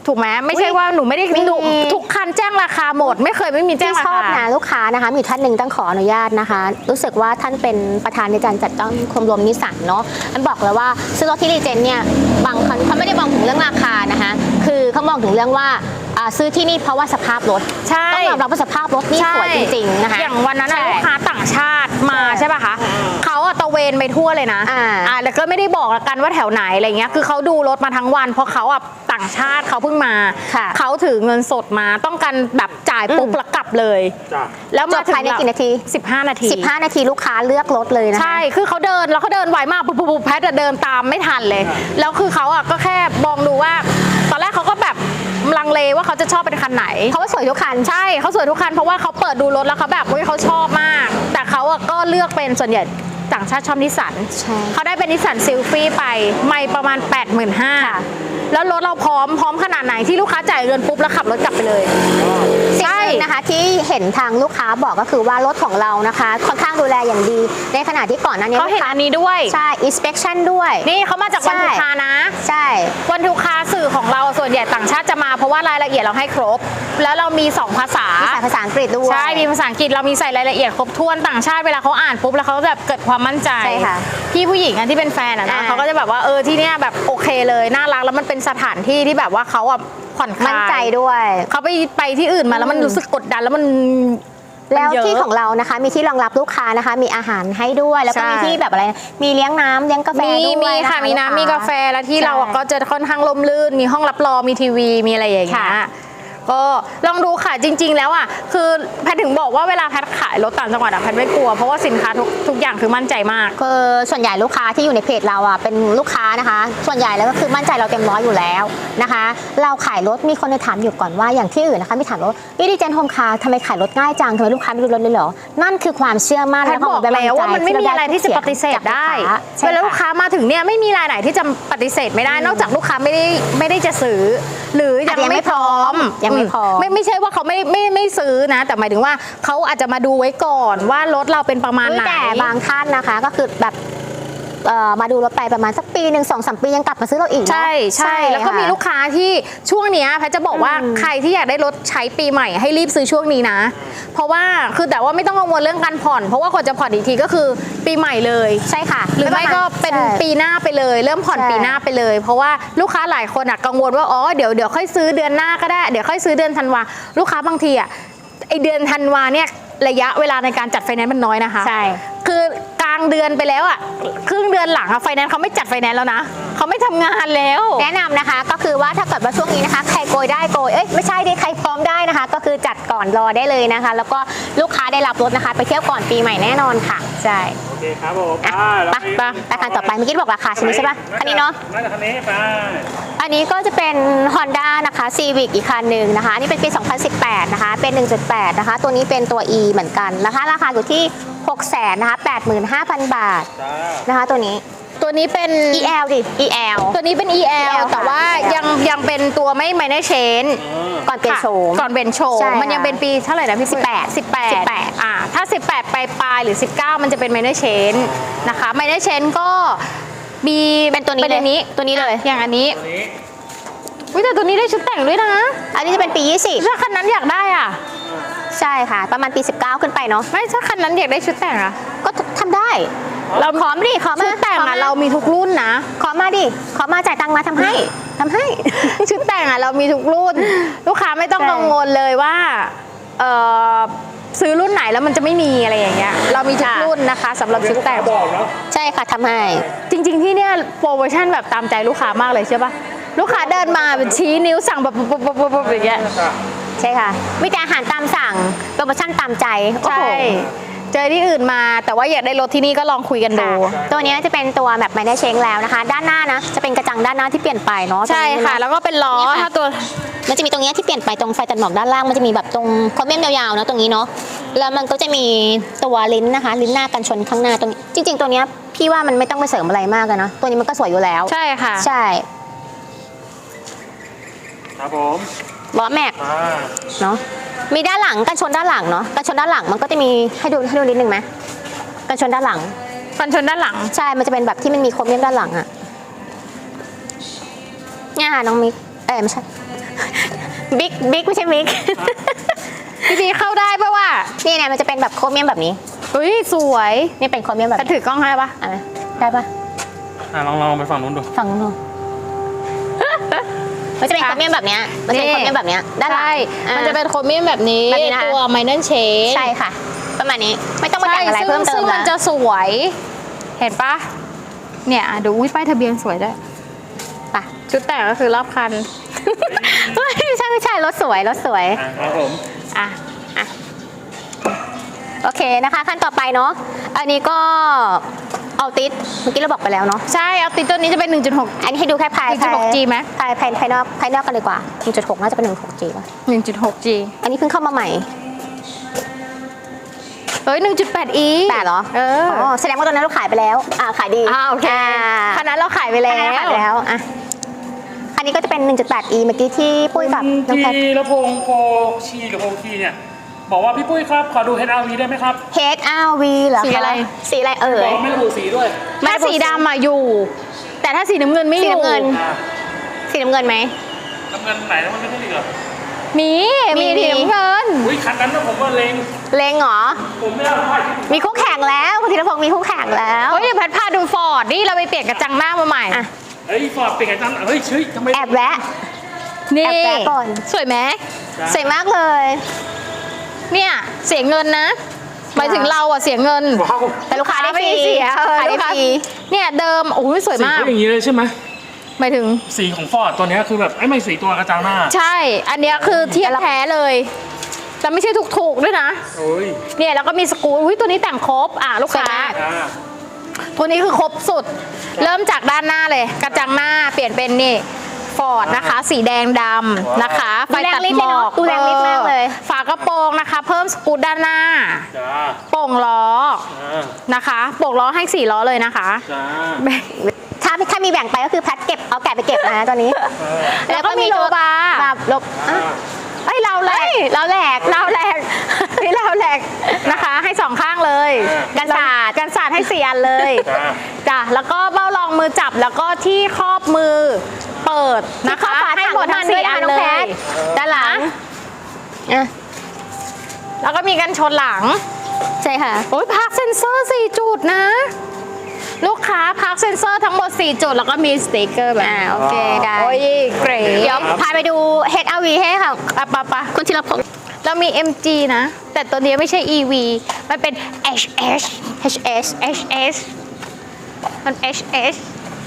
[SPEAKER 2] ถูกไหมไม่ใช่ว่าหนูไม่ได้
[SPEAKER 1] มี
[SPEAKER 2] หนูทุกคันแจ้งราคาหมด ไม่เคยไม่มีแจ้ง
[SPEAKER 1] ที่
[SPEAKER 2] รา
[SPEAKER 1] ชอบ
[SPEAKER 2] คา
[SPEAKER 1] นะลูกค้านะคะมีอยู่ท่านหนึ่งต้องขออนุญาตนะคะ รู้สึกว่าท่านเป็นประธานในการจัดตั้งชมรมนิสสันเนาะอันบอกเลยว่าซื้อรถที่รีเจนเนี่ยบางคนเขาไม่ได้มองถึงเรื่องราคานะคะคือเขามองถึงเรื่องว่าอ่าซื้อที่นี่เพราะว่าสภาพรถ
[SPEAKER 2] ใช่
[SPEAKER 1] ต้องยอมรับว่าสภาพรถนี่สวยจริงๆนะคะ
[SPEAKER 2] อย่างวันนั้นน่ะ
[SPEAKER 1] ใช่
[SPEAKER 2] ลูกค้าต่างชาติมา
[SPEAKER 1] ใช่
[SPEAKER 2] ใช่ป่ะคะเขาอะตะเวนไปทั่วเลยนะ
[SPEAKER 1] อ่า
[SPEAKER 2] อ่าแล้วก็ไม่ได้บอกละกันว่าแถวไหนอะไรเงี้ยคือเขาดูรถมาทั้งวันเพราะเขาอะต่างชาติเขาเพิ่งมา
[SPEAKER 1] ค่ะ
[SPEAKER 2] เขาถือเงินสดมาต้องการแบบจ่ายปุ๊บ
[SPEAKER 1] อืม
[SPEAKER 2] แล้วกลับเลย
[SPEAKER 3] จ้ะ
[SPEAKER 2] แล้ว
[SPEAKER 1] จ
[SPEAKER 2] มา
[SPEAKER 1] บ
[SPEAKER 2] ถึง
[SPEAKER 1] ภายในกี่นาที
[SPEAKER 2] สิบห้านาที
[SPEAKER 1] สิบห้านาทีลูกค้าเลือกรถเลยนะคะ
[SPEAKER 2] ใช่ คือเขาเดินแล้วเขาเดินไวมากปุ๊บปุ๊บปุ๊บแพทย์อะเดินตามไม่ทันเลย แล้วคือเขาอะก็แค่มองดูว่า ตอนแรกเขาก็แบบลังเลว่าเขาจะชอบเป็นคันไหน
[SPEAKER 1] เพราะว่าสวยทุกคัน
[SPEAKER 2] ใช่เขาสวยทุกคันเพราะว่าเขาเปิดดูรถแล้วเขาแบบเฮ้ยเขาชอบมาก แต่เขาอะก็เลือกเป็นส่วนใหญ่ต่างชาติชอบนิสสัน
[SPEAKER 1] ใช่
[SPEAKER 2] เขาได้เป็นนิสสันซิลฟี่ไปไม่ประมาณ แปดหมื่นห้าพัน
[SPEAKER 1] ค่ะ
[SPEAKER 2] แล้วรถเราพร้อมพร้อมขนาดไหนที่ลูกค้าจ่ายเงินปุ๊บแล้วขับรถกลับไปเลย
[SPEAKER 1] สิ่งหนึ่งนะคะที่เห็นทางลูกค้าบอกก็คือว่ารถของเรานะคะค่อนข้างดูแลอย่างดี ในขณะที่ก่อนหน้านี้
[SPEAKER 2] เขาเห็น
[SPEAKER 1] ลูกค้
[SPEAKER 2] อันนี้ด้วย
[SPEAKER 1] ใช่ inspection ด้วย
[SPEAKER 2] นี่เขามาจากวัน
[SPEAKER 1] ใช่
[SPEAKER 2] ทุกคานะ
[SPEAKER 1] ใช่
[SPEAKER 2] วันทุกคาสื่อของเราส่วนใหญ่ต่างชาติจะมาเพราะว่ารายละเอียดเราให้ครบ แล้วเรามีสองภาษา
[SPEAKER 1] มีสายภาษาอังกฤษด้วย
[SPEAKER 2] ใช่ มีภาษาอังกฤษเรามีใส่รายละเอียดครบถ้วนต่างชาติเวลาเขาอ่านปุ๊บแล้วเขาแบบเกิดความมั่นใจ
[SPEAKER 1] ใช่ค่ะ
[SPEAKER 2] พี่ผู้หญิงอันที่เป็นแฟนอะนะ
[SPEAKER 1] อ่า
[SPEAKER 2] เขาก็จะแบบว่าเออที่เนี้ยแบบโอเคเลยน่ารักแล้วมันเป็นสถานที่ที่แบบว่าเขาอะผ่อนคลาย
[SPEAKER 1] มั่นใจด้วย
[SPEAKER 2] เขาไปไปที่อื่นมาแล้วมันรู้สึกกดดันแล้วมัน
[SPEAKER 1] แล้ว
[SPEAKER 2] มันเยอะ
[SPEAKER 1] ที่ของเรานะคะมีที่รองรับลูกค้านะคะ มีอาหารให้ด้วย แล้วก็
[SPEAKER 2] ใช่
[SPEAKER 1] มีที่แบบอะไรมีเลี้ยงน้ำเลี้ยงกาแฟ
[SPEAKER 2] มี
[SPEAKER 1] ด้วย
[SPEAKER 2] มีค่ะ
[SPEAKER 1] น
[SPEAKER 2] มีน้ำมีกาแฟแล้วที่เราอะก็จะค่อนข้างร่มรื่น มีห้องรับรองมีทีวีมีอะไรอย่างเงี้ย
[SPEAKER 1] ค่ะ
[SPEAKER 2] ก็ลองดูค่ะจริง ๆ แล้วอ่ะคือแพทย์ถึงบอกว่าเวลาแพทย์ขายรถต่างจังหวัดอะแพทย์ไม่กลัวเพราะว่าสินค้าทุกทุกอย่างคือมั่นใจมาก
[SPEAKER 1] คือส่วนใหญ่ลูกค้าที่อยู่ในเพจเราอ่ะเป็นลูกค้านะคะ ส่วนใหญ่แล้วก็คือมั่นใจเราเต็มร้อยอยู่แล้วนะคะ เราขายรถมีคนในถามอยู่ก่อนว่าอย่างที่อื่นนะคะมีถามว่าวิดีเจนโฮมคาร์ทำไมขายรถง่ายจังทำไมลูกค้าไม่ดูรถเลยเหรอนั่นคือความเชื่อมั่น
[SPEAKER 2] แพทย์บอกแล้วว่ามันไม่มีอะไรที่จะปฏิเสธได้ เวลาลูกค้ามาถึงเนี่ยไม่มีรายไหนที่จะปฏิเสธไม่ได้ นอกจากลูกค้าไม่ได้ไม่ได้จะซื้อ หรือยังไม่พร้อม
[SPEAKER 1] ยังไม่พร้อม
[SPEAKER 2] ไม่ไม่ใช่ว่าเขาไม่ไม่ไม่ซื้อนะ แต่หมายถึงว่าเขาอาจจะมาดูไว้ก่อนว่ารถเราเป็นประมาณไหน
[SPEAKER 1] แต่บางท่านนะคะก็คือแบบเอ่อมาดูรถไปประมาณสักปีหนึ่งสองสามปียังกลับมาซื้อเราอีกเนอะ
[SPEAKER 2] ใช่ใช่แล้วก็มีลูกค้าที่ช่วงเนี้ยแพทย์จะบอกว่า
[SPEAKER 1] อืม
[SPEAKER 2] ใครที่อยากได้รถใช้ปีใหม่ให้รีบซื้อช่วงนี้นะ เพราะว่าคือแต่ว่าไม่ต้องกังวลเรื่องการผ่อน เพราะว่ากว่าจะผ่อนอีกทีก็คือปีใหม่เลย
[SPEAKER 1] ใช่ค่ะ
[SPEAKER 2] หรือไม่ก็เป็น
[SPEAKER 1] ใช่
[SPEAKER 2] ปีหน้าไปเลย เริ่มผ่อน
[SPEAKER 1] ใช่
[SPEAKER 2] ปีหน้าไปเลย เพราะว่าลูกค้าหลายคนอะกังวลว่าอ๋อเดี๋ยวเดี๋ยวค่อยซื้อเดือนหน้าก็ได้เดี๋ยวค่อยซื้อเดือนธันวาลูกค้าบางทีอะไอเดือนธันวาเนี่ยระยะเวลาในการจัดไฟแนนซ์มันน้อยนะคะ
[SPEAKER 1] ใช่
[SPEAKER 2] คือกลางเดือนไปแล้วอะครึ่งเดือนหลังอะไฟแนนซ์เขาไม่จัดไฟแนนซ์แล้วนะเขาไม่ทำงานแล้ว
[SPEAKER 1] แนะนำนะคะก็คือว่าถ้าเกิดว่าช่วงนี้นะคะใครโกยได้โกยเอ้ยไม่ใช่ดิใครพร้อมได้นะคะ ก็คือจัดก่อนรอได้เลยนะคะ แล้วก็ลูกค้าได้รับรถนะคะ ไปเที่ยวก่อนปีใหม่แน่นอนค่ะใช่
[SPEAKER 3] โอเคครับผม
[SPEAKER 1] อ่ะ
[SPEAKER 3] อ่าแล้ว
[SPEAKER 1] ไปไปไปคันต่อไปเมื่อกี้บอกราคาใช่ไหมใช่ปะคันนี้เนาะ
[SPEAKER 3] น่าจะคันนี้ไป
[SPEAKER 1] อันนี้ก็จะเป็น Honda นะคะ Civic อีกคันหนึ่งนะคะอันนี่เป็นปี สองพันสิบแปด นะคะ เป็น หนึ่งจุดแปด นะคะ ตัวนี้เป็นตัว E เหมือนกันนะคะราคาอยู่ที่ หกแสน นะคะ แปดหมื่นห้าพัน บาท
[SPEAKER 3] จ้า
[SPEAKER 1] นะคะตัวนี้
[SPEAKER 2] ตัวนี้เป็น
[SPEAKER 1] อี แอล ดิ อี แอล
[SPEAKER 2] ตัวนี้เป็น อี แอล
[SPEAKER 1] ค่ะ
[SPEAKER 2] แต่ว่า
[SPEAKER 1] อี แอล
[SPEAKER 2] ยังยังเป็นตัวไม่ minor change
[SPEAKER 1] ก่อนเปลี่ยนโฉม
[SPEAKER 2] ก่อนเป็นโฉม
[SPEAKER 1] ใช่
[SPEAKER 2] มันยังเป็นปีเท่าไหร่นะพี่
[SPEAKER 1] สิบแปด
[SPEAKER 2] สิบแปด
[SPEAKER 1] สิบแปด
[SPEAKER 2] อ่าถ้าสิบแปดปลายปลายๆหรือสิบเก้ามันจะเป็น minor change นะคะ minor change ก็มี
[SPEAKER 1] เป็นตัวนี้
[SPEAKER 2] เป็นอันนี้
[SPEAKER 1] เลยตัวนี้เลย
[SPEAKER 2] อย่างอันนี้
[SPEAKER 3] ตัวนี้
[SPEAKER 2] วิแต่ตัวนี้ได้ชุดแต่งด้วยนะ
[SPEAKER 1] อันนี้จะเป็นปี ยี่สิบ
[SPEAKER 2] ถ้าคันนั้นอยากได้อ่ะ
[SPEAKER 1] ใช่ค่ะ ประมาณปี สิบเก้า ขึ้นไปเนาะ
[SPEAKER 2] ไม่ถ้าคันนั้นอยากได้ชุดแต่งอ่ะ
[SPEAKER 1] ก็ทำได้ เราขอมาดิขอมา
[SPEAKER 2] ชุดแต่ง
[SPEAKER 1] ข
[SPEAKER 2] อ่ะ
[SPEAKER 1] ม
[SPEAKER 2] เรามีทุกรุ่นนะ
[SPEAKER 1] ขอมาดิขอมาจ่ายตังค์มาทำให้ทำให้
[SPEAKER 2] ชุดแต่งอ่ะเรามีทุกรุ่น ลูกค้าไม่ต้อง
[SPEAKER 1] ใช่
[SPEAKER 2] กังวลเลยว่าเอ่อซื้อรุ่นไหนแล้วมันจะไม่มีอะไรอย่างเงี้ยเรามีทุกรุ่นนะคะสำหรับชุดแต่ง
[SPEAKER 3] บอกเนาะ
[SPEAKER 1] ใช่ค่ะทำให้
[SPEAKER 2] จริงๆที่เนี่ยโปรโมชั่นแบบตามใจลูกค้ามากเลยใช่ปะลูกค้าเดินมาเป็นชี้นิ้วสั่งแบบปุ๊บปุ๊บปุ๊บปุ๊บอย่างเงี้ย
[SPEAKER 3] จ้า
[SPEAKER 1] ใช่ค่ะมีแต่อาหารตามสั่งโปรโมชั่นตามใจโอ้
[SPEAKER 2] ใช่
[SPEAKER 1] โห
[SPEAKER 2] เจอที่อื่นมาแต่ว่าอยากได้รถที่นี่ก็ลองคุยกันดู
[SPEAKER 1] ค่ะตัวนี้จะเป็นตัวแบบไม่ได้เช็งแล้วนะคะ ด้านหน้านะจะเป็นกระจังด้านหน้าที่เปลี่ยนไปเนาะ
[SPEAKER 2] ใช่
[SPEAKER 1] ตรงนี้
[SPEAKER 2] ค่ะ
[SPEAKER 1] น
[SPEAKER 2] แล้วก็เป็นล้อ
[SPEAKER 1] นี่ค่ะ
[SPEAKER 2] ถ้าตัว
[SPEAKER 1] มันจะมีตรงเนี้ยที่เปลี่ยนไปตรงไฟตัดหมอกด้านล่างมันจะมีแบบตรงคอมเมนต์ยาวๆเนาะตรงนี้เนาะแล้วมันก็จะมีตัวลิ้นนะคะ ลิ้นหน้ากันชนข้างหน้าตรงนี้จริง ๆ ตัวเนี้ยพี่ว่ามันไม่ต้องไปเสริมอะไรมากอะนะตัวนี้มันก็สวยอยู่แล้ว
[SPEAKER 2] ใช่ค่ะ
[SPEAKER 1] ใช่
[SPEAKER 3] ครับผม
[SPEAKER 1] ล้อแม็ก
[SPEAKER 3] อ่า
[SPEAKER 1] เนาะมีด้านหลังกันชนด้านหลังเนาะกันชนด้านหลังมันก็จะมีให้ดูให้ดูนิดนึงไหมกันชนด้านหลัง
[SPEAKER 2] ฟันชนด้านหลัง
[SPEAKER 1] ใช่ มันจะเป็นแบบที่มันมีโครเมียมด้านหลังอะเนี่ยค่ะน้องมิก เอ้ยไม่ใช่บิ๊กบิ๊กไม่ใช่บิ๊ก
[SPEAKER 2] พี่บีเข้าได้ปะวะ
[SPEAKER 1] นี่เนี่ยมันจะเป็นแบบโครเมียมแบบนี้
[SPEAKER 2] เฮ้ยสวย
[SPEAKER 1] นี่เป็นโครเมียมแบบ
[SPEAKER 2] จะ
[SPEAKER 1] นี้
[SPEAKER 2] ถือกล้องให้ปะ
[SPEAKER 1] อ่ะได้ปะ
[SPEAKER 3] อ่ะลองลองไปฝั่งนู้นดู
[SPEAKER 1] ฝั่งนู้นดูมันจะเป็นโครเมียมแบบเนี้ยมันจะเป็นโครเมียมแบบเนี้ยด้านหลัง
[SPEAKER 2] ใช่
[SPEAKER 1] อ่ะ
[SPEAKER 2] มันจะเป็นโครเมียมแบบนี้
[SPEAKER 1] แบบนี้นะคะ
[SPEAKER 2] ตัวไมเน r เชน
[SPEAKER 1] ใช่ค่ะ ประมาณนี้ไม่ต้องมาแต่งอะไร
[SPEAKER 2] ใช่
[SPEAKER 1] เพิ่มเติ
[SPEAKER 2] ซึ่
[SPEAKER 1] ม
[SPEAKER 2] งมัน
[SPEAKER 1] นะ
[SPEAKER 2] จะสวย เห็นปะเนี่ยอ่ะดูอุ้ยป้ายทะเบียนสวยด้วย
[SPEAKER 1] ไป
[SPEAKER 2] ชุดแต่งก็คือรอบคัน
[SPEAKER 1] ไม่ใช่ไม่ใช่รถสวยรถสวย
[SPEAKER 3] อ่ะครับผม
[SPEAKER 2] อ่ะ
[SPEAKER 1] อ่ะโอเคนะคะขั้นต่อไปเนาะอันนี้ก็เอาติดเมื่อกี้เราบอกไปแล้วเนาะ
[SPEAKER 2] ใช่เอาติดตัวนี้จะเป็น หนึ่งจุดหก
[SPEAKER 1] อันนี้ให้ดูแค่ภาย
[SPEAKER 2] หนึ่งจุดหก G ไหม
[SPEAKER 1] ภายภายภายนอกภายนอกกันดีกว่า หนึ่งจุดหก น่าจะเป็น หนึ่งจุดหก จี ป่ะ
[SPEAKER 2] หนึ่งจุดหก จี
[SPEAKER 1] อันนี้เพิ่งเข้ามาใหม่
[SPEAKER 2] เฮ้ยหนึ่งจุดแปด อี
[SPEAKER 1] แต่เหรอ
[SPEAKER 2] เออ
[SPEAKER 1] อ๋อแสดงว่าตอนนั้นเราขายไปแล้วอ่าขายดี
[SPEAKER 2] อ่าโอเค
[SPEAKER 1] อ่า
[SPEAKER 2] คันนั้นเราขายไป
[SPEAKER 1] อั
[SPEAKER 2] แล้
[SPEAKER 1] นนั้นขายไป
[SPEAKER 2] ว
[SPEAKER 1] แล้วอ่ะอันนี้ก็จะเป็น หนึ่งจุดแปด อี เมื่อกี้ที่ปุ้ยกับน้องแพท
[SPEAKER 3] ที่ลำโพงโพชีกับโพคีเนี่ยบอกว่าพี่ปุ้ยครับขอดู เอช อาร์ วี ได้ไหมครับ
[SPEAKER 1] เฮด อาร์ วี เหรอคะ
[SPEAKER 2] สีอะไร
[SPEAKER 1] สีอะไรเอ่
[SPEAKER 3] บอย กไม่ระบุสีด้วย
[SPEAKER 2] ถ้าสีดำอะอยู่ แต่ถ้าสีน้ำเงินไม่อ
[SPEAKER 1] สี
[SPEAKER 2] ยู่
[SPEAKER 1] น้ำเงิน
[SPEAKER 3] อ่ะ
[SPEAKER 1] สีน้ำเงินไหม
[SPEAKER 3] น้ำเงินไหนแล้วมันไม่ใช่เหรอ
[SPEAKER 2] มี
[SPEAKER 1] มี
[SPEAKER 2] มีสีน้ำเงิน
[SPEAKER 3] อุ้ยคันนั้นนะผมว่าเลง
[SPEAKER 1] เลงเหรอ
[SPEAKER 3] ผมไม่ได้เอาผ้าที่
[SPEAKER 1] มีคู่แข่งแล้วคุณธีรพงศ์มีคู่แข่งแล้ว
[SPEAKER 2] เฮ้ยเดี๋ยวแพทพาดูฟอร์ดนี่เราไปเปลี่ยนกระจังหน้ามาใหม่
[SPEAKER 1] อ่ะ
[SPEAKER 3] เฮ้ยฟอร์ดเป็นไงจังเฮ้ยเฮ้ยทำไม
[SPEAKER 1] แอบแวะ
[SPEAKER 2] นี่
[SPEAKER 1] แอบแวะก่อน
[SPEAKER 2] สวยไหม
[SPEAKER 1] สวยมากเลย
[SPEAKER 2] เนี่ยเสียเงินนะหมายถึงเราอะเสียเงิน
[SPEAKER 3] ว้าว
[SPEAKER 1] แต่ลูกค้าได้ฟ
[SPEAKER 2] ไม่
[SPEAKER 1] รี
[SPEAKER 2] ได้เสียเออ
[SPEAKER 1] ขายได้
[SPEAKER 2] ลูกค้า
[SPEAKER 1] ฟรี
[SPEAKER 2] เนี่ยเดิมโอ้ยสวย
[SPEAKER 3] สี
[SPEAKER 2] มาก
[SPEAKER 3] เขาอย่างนี้เลยใช่ไหม
[SPEAKER 2] หมายถึง
[SPEAKER 3] สีของฟอร์ดตัวเนี้ยคือแบบไอ้ไม่สีตัวกระจังหน้า
[SPEAKER 2] ใช่ อันเนี้ยคือเทียบแท้เลยแต่ไม่ใช่ถูกๆด้วยนะ
[SPEAKER 3] โอ้ย
[SPEAKER 2] เนี่ยแล้วก็มีสกรูอุ้ยตัวนี้แต่งครบอ่ะลูกค้า
[SPEAKER 3] อ่า
[SPEAKER 2] ตัวนี้คือครบสุด เริ่มจากด้านหน้าเลย กระจังหน้าเปลี่ยนเป็นนี่ฟอร์ดนะคะ สีแดงดำนะคะไฟตัดหมอก
[SPEAKER 1] ดูแรงฤทธิ์มากเลย
[SPEAKER 2] ฝากระโปรงนะคะ เพิ่มสกรูด้านหน้า
[SPEAKER 3] จ้า
[SPEAKER 2] โป่งล้อ
[SPEAKER 3] อ่า
[SPEAKER 2] นะคะโป่งล้อให้สี่ล้อเลยนะคะ
[SPEAKER 3] จ้า
[SPEAKER 1] ถ้าถ้ามีแบ่งไปก็คือแพทเก็บเอาแกะไปเก็บนะตัวนี้
[SPEAKER 2] แล้วก็มีโลบาร์
[SPEAKER 1] แบบลบอ่ะ
[SPEAKER 2] เอ้ยเราแหลก
[SPEAKER 1] เราแหลก
[SPEAKER 2] เราแหลกนี่เราแหลกนะคะ ให้สองข้างเลย
[SPEAKER 1] กันศาสตร์
[SPEAKER 2] กันศาสตร์ให้สี่อันเลย
[SPEAKER 3] จ้า
[SPEAKER 2] จ้ะแล้วก็เบ้ารองมือจับแล้วก็ที่ครอบมือเปิดนะคะ ให้หมดทั้งสี่อันเลย
[SPEAKER 1] ด้านหลังอ่ะ
[SPEAKER 2] แล้วก็มีกันชนหลัง
[SPEAKER 1] ใช่ค่ะ
[SPEAKER 2] โอ้ยพาร์คเซนเซอร์สี่จุดนะ ลูกค้าพาร์คเซนเซอร์ทั้งหมดสี่จุดแล้วก็มีสติกเกอร์แบบ
[SPEAKER 1] อ่าโอเคได้
[SPEAKER 2] โอ้ยเกรด
[SPEAKER 1] เดี๋ยวพาไปดู เฮด อาร์ วี ให้ค่ะ
[SPEAKER 2] ปะปะปะ
[SPEAKER 1] คุณธีรพงศ์
[SPEAKER 2] เรามี เอ็ม จี นะ แต่ตัวนี้ไม่ใช่ อี วี มันเป็น เอช เอช
[SPEAKER 1] เอช เอส
[SPEAKER 2] เอช เอส มัน เอช เอส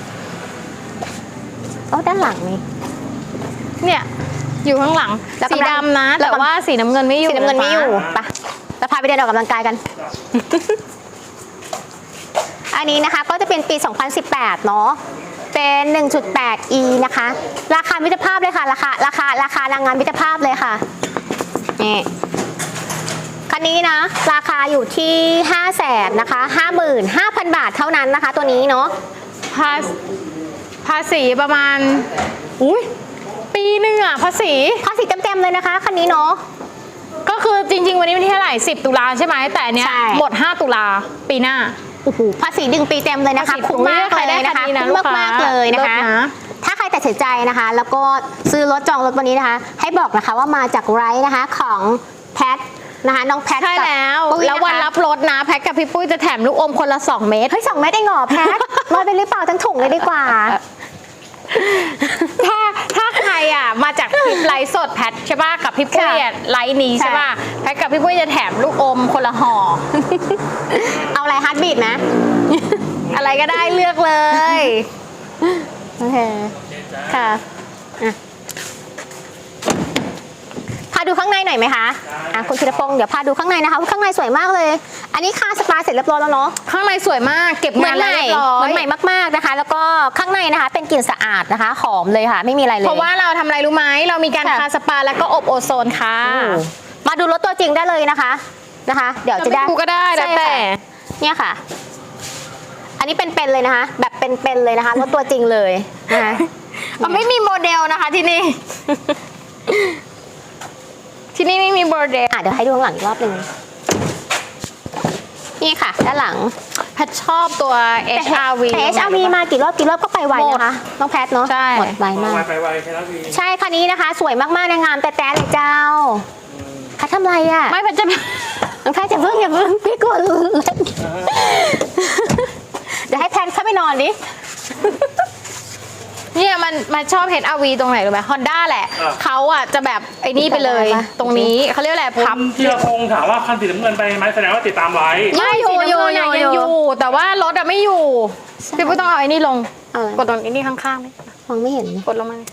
[SPEAKER 1] โอ้ด้านหลังนี่
[SPEAKER 2] เนี่ย อยู่ข้างหลัง
[SPEAKER 1] แล้ว
[SPEAKER 2] สี
[SPEAKER 1] กำลัง
[SPEAKER 2] ดำนะ
[SPEAKER 1] แล้ว
[SPEAKER 2] แต่
[SPEAKER 1] กำลัง
[SPEAKER 2] ว่าสีน้ำเงินไม่อยู่
[SPEAKER 1] สีน้ำเงินไม่อยู่
[SPEAKER 2] ะคะ
[SPEAKER 1] ไปเราพาไปเดินออกกำลังกายกัน อันนี้นะคะก็จะเป็นปี สองพันสิบแปด เนาะ เป็น หนึ่งจุดแปด อี นะคะ ราคามิตรภาพเลยค่ะ ราคา ราคา ราคานางงามมิตรภาพเลยค่ะ นี่ คันนี้นะ ราคาอยู่ที่ ห้าแสน นะคะ ห้าหมื่นห้าพัน บาทเท่านั้นนะคะ ตัวนี้เนาะ
[SPEAKER 2] ภาษภาษีประมาณ อุ้ยปีหนึ่งอะภาษี
[SPEAKER 1] ภาษีเต็มๆเลยนะคะ คันนี้เนาะ
[SPEAKER 2] ก็คือจริง ๆ วันนี้วันที่เท่าไหร่สิบตุลาใช่ไหม แต่อันเนี้ย
[SPEAKER 1] ใช่
[SPEAKER 2] หมดห้าตุลาปีหน้า
[SPEAKER 1] โอ้โหภาษีดึงปีเต็มเลยนะคะ
[SPEAKER 2] ภาษี
[SPEAKER 1] คุ้มมากเลยนะคะ
[SPEAKER 2] ใครได้คันนี้นะ
[SPEAKER 1] คุ้ม
[SPEAKER 2] ลูกค้าม
[SPEAKER 1] ากๆเลยนะคะ
[SPEAKER 2] เลิศนะ
[SPEAKER 1] ถ้าใครตัดสินใจนะคะ แล้วก็ซื้อรถจองรถวันนี้นะคะ ให้บอกนะคะว่ามาจากไรท์นะคะของแพทนะคะน้องแพท
[SPEAKER 2] ใช่
[SPEAKER 1] กับ
[SPEAKER 2] แล้ว
[SPEAKER 1] ปุ้ย
[SPEAKER 2] แล้ววัน
[SPEAKER 1] นะคะ
[SPEAKER 2] รับรถนะ แพ็คกับพี่ปุ้ยจะแถมลูกอมคนละสองเม็ด
[SPEAKER 1] เฮ้ยสองเม็ดเองเหรอแพทลอยไปหรือเปล่าทั้งถุงเลยดีกว่า
[SPEAKER 2] ถ้าถ้าใครอ่ะมาจากคลิปไลฟ์สดแพทใช่ป่ะกับพี่ปุ้ยอ่ะไลฟ์นี้ใช่ป่ะแพทกับพี่ปุ้ยจะแถมลูกอมคนละห่อ
[SPEAKER 1] เอาอะไรฮาร์ดบีทนะ
[SPEAKER 2] อะไรก็ได้เลือกเลย
[SPEAKER 1] โอเคค่ะอ่ะพาดูข้างในหน่อยไหมคะอ่ะคุณธีรพงศ์เดี๋ยวพาดูข้างในนะคะข้างในสวยมากเลย อันนี้คาสปาเสร็จเรียบร้อยแล้วเนาะ
[SPEAKER 2] ข้างในสวยมากเก็บ
[SPEAKER 1] เหมื
[SPEAKER 2] งา
[SPEAKER 1] อน น
[SPEAKER 2] แล้ว
[SPEAKER 1] ใหม่
[SPEAKER 2] เรียบร้อ
[SPEAKER 1] เหมือย นใหม่มากๆนะคะ แล้วก็ข้างในนะคะเป็นกลิ่นสะอาดนะคะ หอมเลยค่ะ ไม่มีอะไรเลย
[SPEAKER 2] เพราะว่าเราทำอะไรรู้ไหมเรามีการ
[SPEAKER 1] ค่ะ
[SPEAKER 2] ทาสปาแล้วก็อบโอโซนค่ะ
[SPEAKER 1] อืมมาดูรถตัวจริงได้เลยนะคะนะคะ เดี๋ยวจะได้
[SPEAKER 2] จะไม่ดูก็ได้แล้ว
[SPEAKER 1] ใช่
[SPEAKER 2] แต่
[SPEAKER 1] ค่ะเนี่ยค่ะ อันนี้เป็นๆเลยนะคะ แบบเป็นๆเลยนะคะรถตัวจริงเลยนะคะ
[SPEAKER 2] มันไม่มีโมเดลนะคะที่นี่ ที่นี่ไม่มีโมเดล
[SPEAKER 1] อ่ะเดี๋ยวให้ดูข้างหลังอีกรอบหนึ่งนี่ค่ะ ด้านหลัง
[SPEAKER 2] แพทชอบตัว เอช อาร์ วี
[SPEAKER 1] แต่ เอช อาร์ วี มากี่รอบกี่รอบก็ไปไวนะคะน้องแพทเนาะ
[SPEAKER 2] ใช่
[SPEAKER 1] หมดไวมาก
[SPEAKER 3] ไวไปไวแค่นั้นวี
[SPEAKER 1] ใช่คันนี้นะคะ สวยมากๆในงามแต่แต่เลยเจ้าแพททำไรอ่ะ
[SPEAKER 2] ไม่แพทจะ
[SPEAKER 1] น้องแพทจะเพิ่งอย่าเพิ่งพี่กลัวเล่นเดี๋ยวให้แพทเข้าไปนอนดิ
[SPEAKER 2] เนี่ยมันมันชอบ เอช อาร์ วี ตรงไหนรู้ไหม Honda แหละเขาอ่ะจะแบบไอ้นี่ไปเลย ตรงนี้เขาเรียกอะไร
[SPEAKER 3] คุ
[SPEAKER 2] พับ
[SPEAKER 3] ณธีรพงศ์ถามว่าคันสีน้ำเงินไปไหมแสดงว่าติดตามไว้
[SPEAKER 2] ไม่อยู่
[SPEAKER 1] สี
[SPEAKER 2] อยู่
[SPEAKER 1] น้ำเงิน
[SPEAKER 2] อยู่
[SPEAKER 1] อะ
[SPEAKER 2] ยัง
[SPEAKER 1] อยู่
[SPEAKER 2] อยู่ แต่ว่ารถอะไม่อยู่
[SPEAKER 1] ใช่
[SPEAKER 2] พี่ปุ้ยต้องเอาไอ้นี่ลง
[SPEAKER 1] เอาอะไร
[SPEAKER 2] กดตรงไอ้นี่ข้างๆไหม
[SPEAKER 1] มองไม่เห็น
[SPEAKER 2] กดลงมา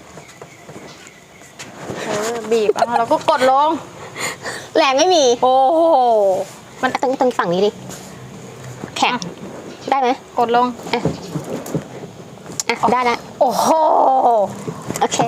[SPEAKER 2] เออบีบเอาแล้วก็กดลง
[SPEAKER 1] แรงไม่มี
[SPEAKER 2] โอ้โห
[SPEAKER 1] มันตรงตรงฝั่งนี้ดิแข็งได้ไหม
[SPEAKER 2] กดลง
[SPEAKER 1] อ่ะได้แล้ว
[SPEAKER 2] โอ้โห
[SPEAKER 1] โอเค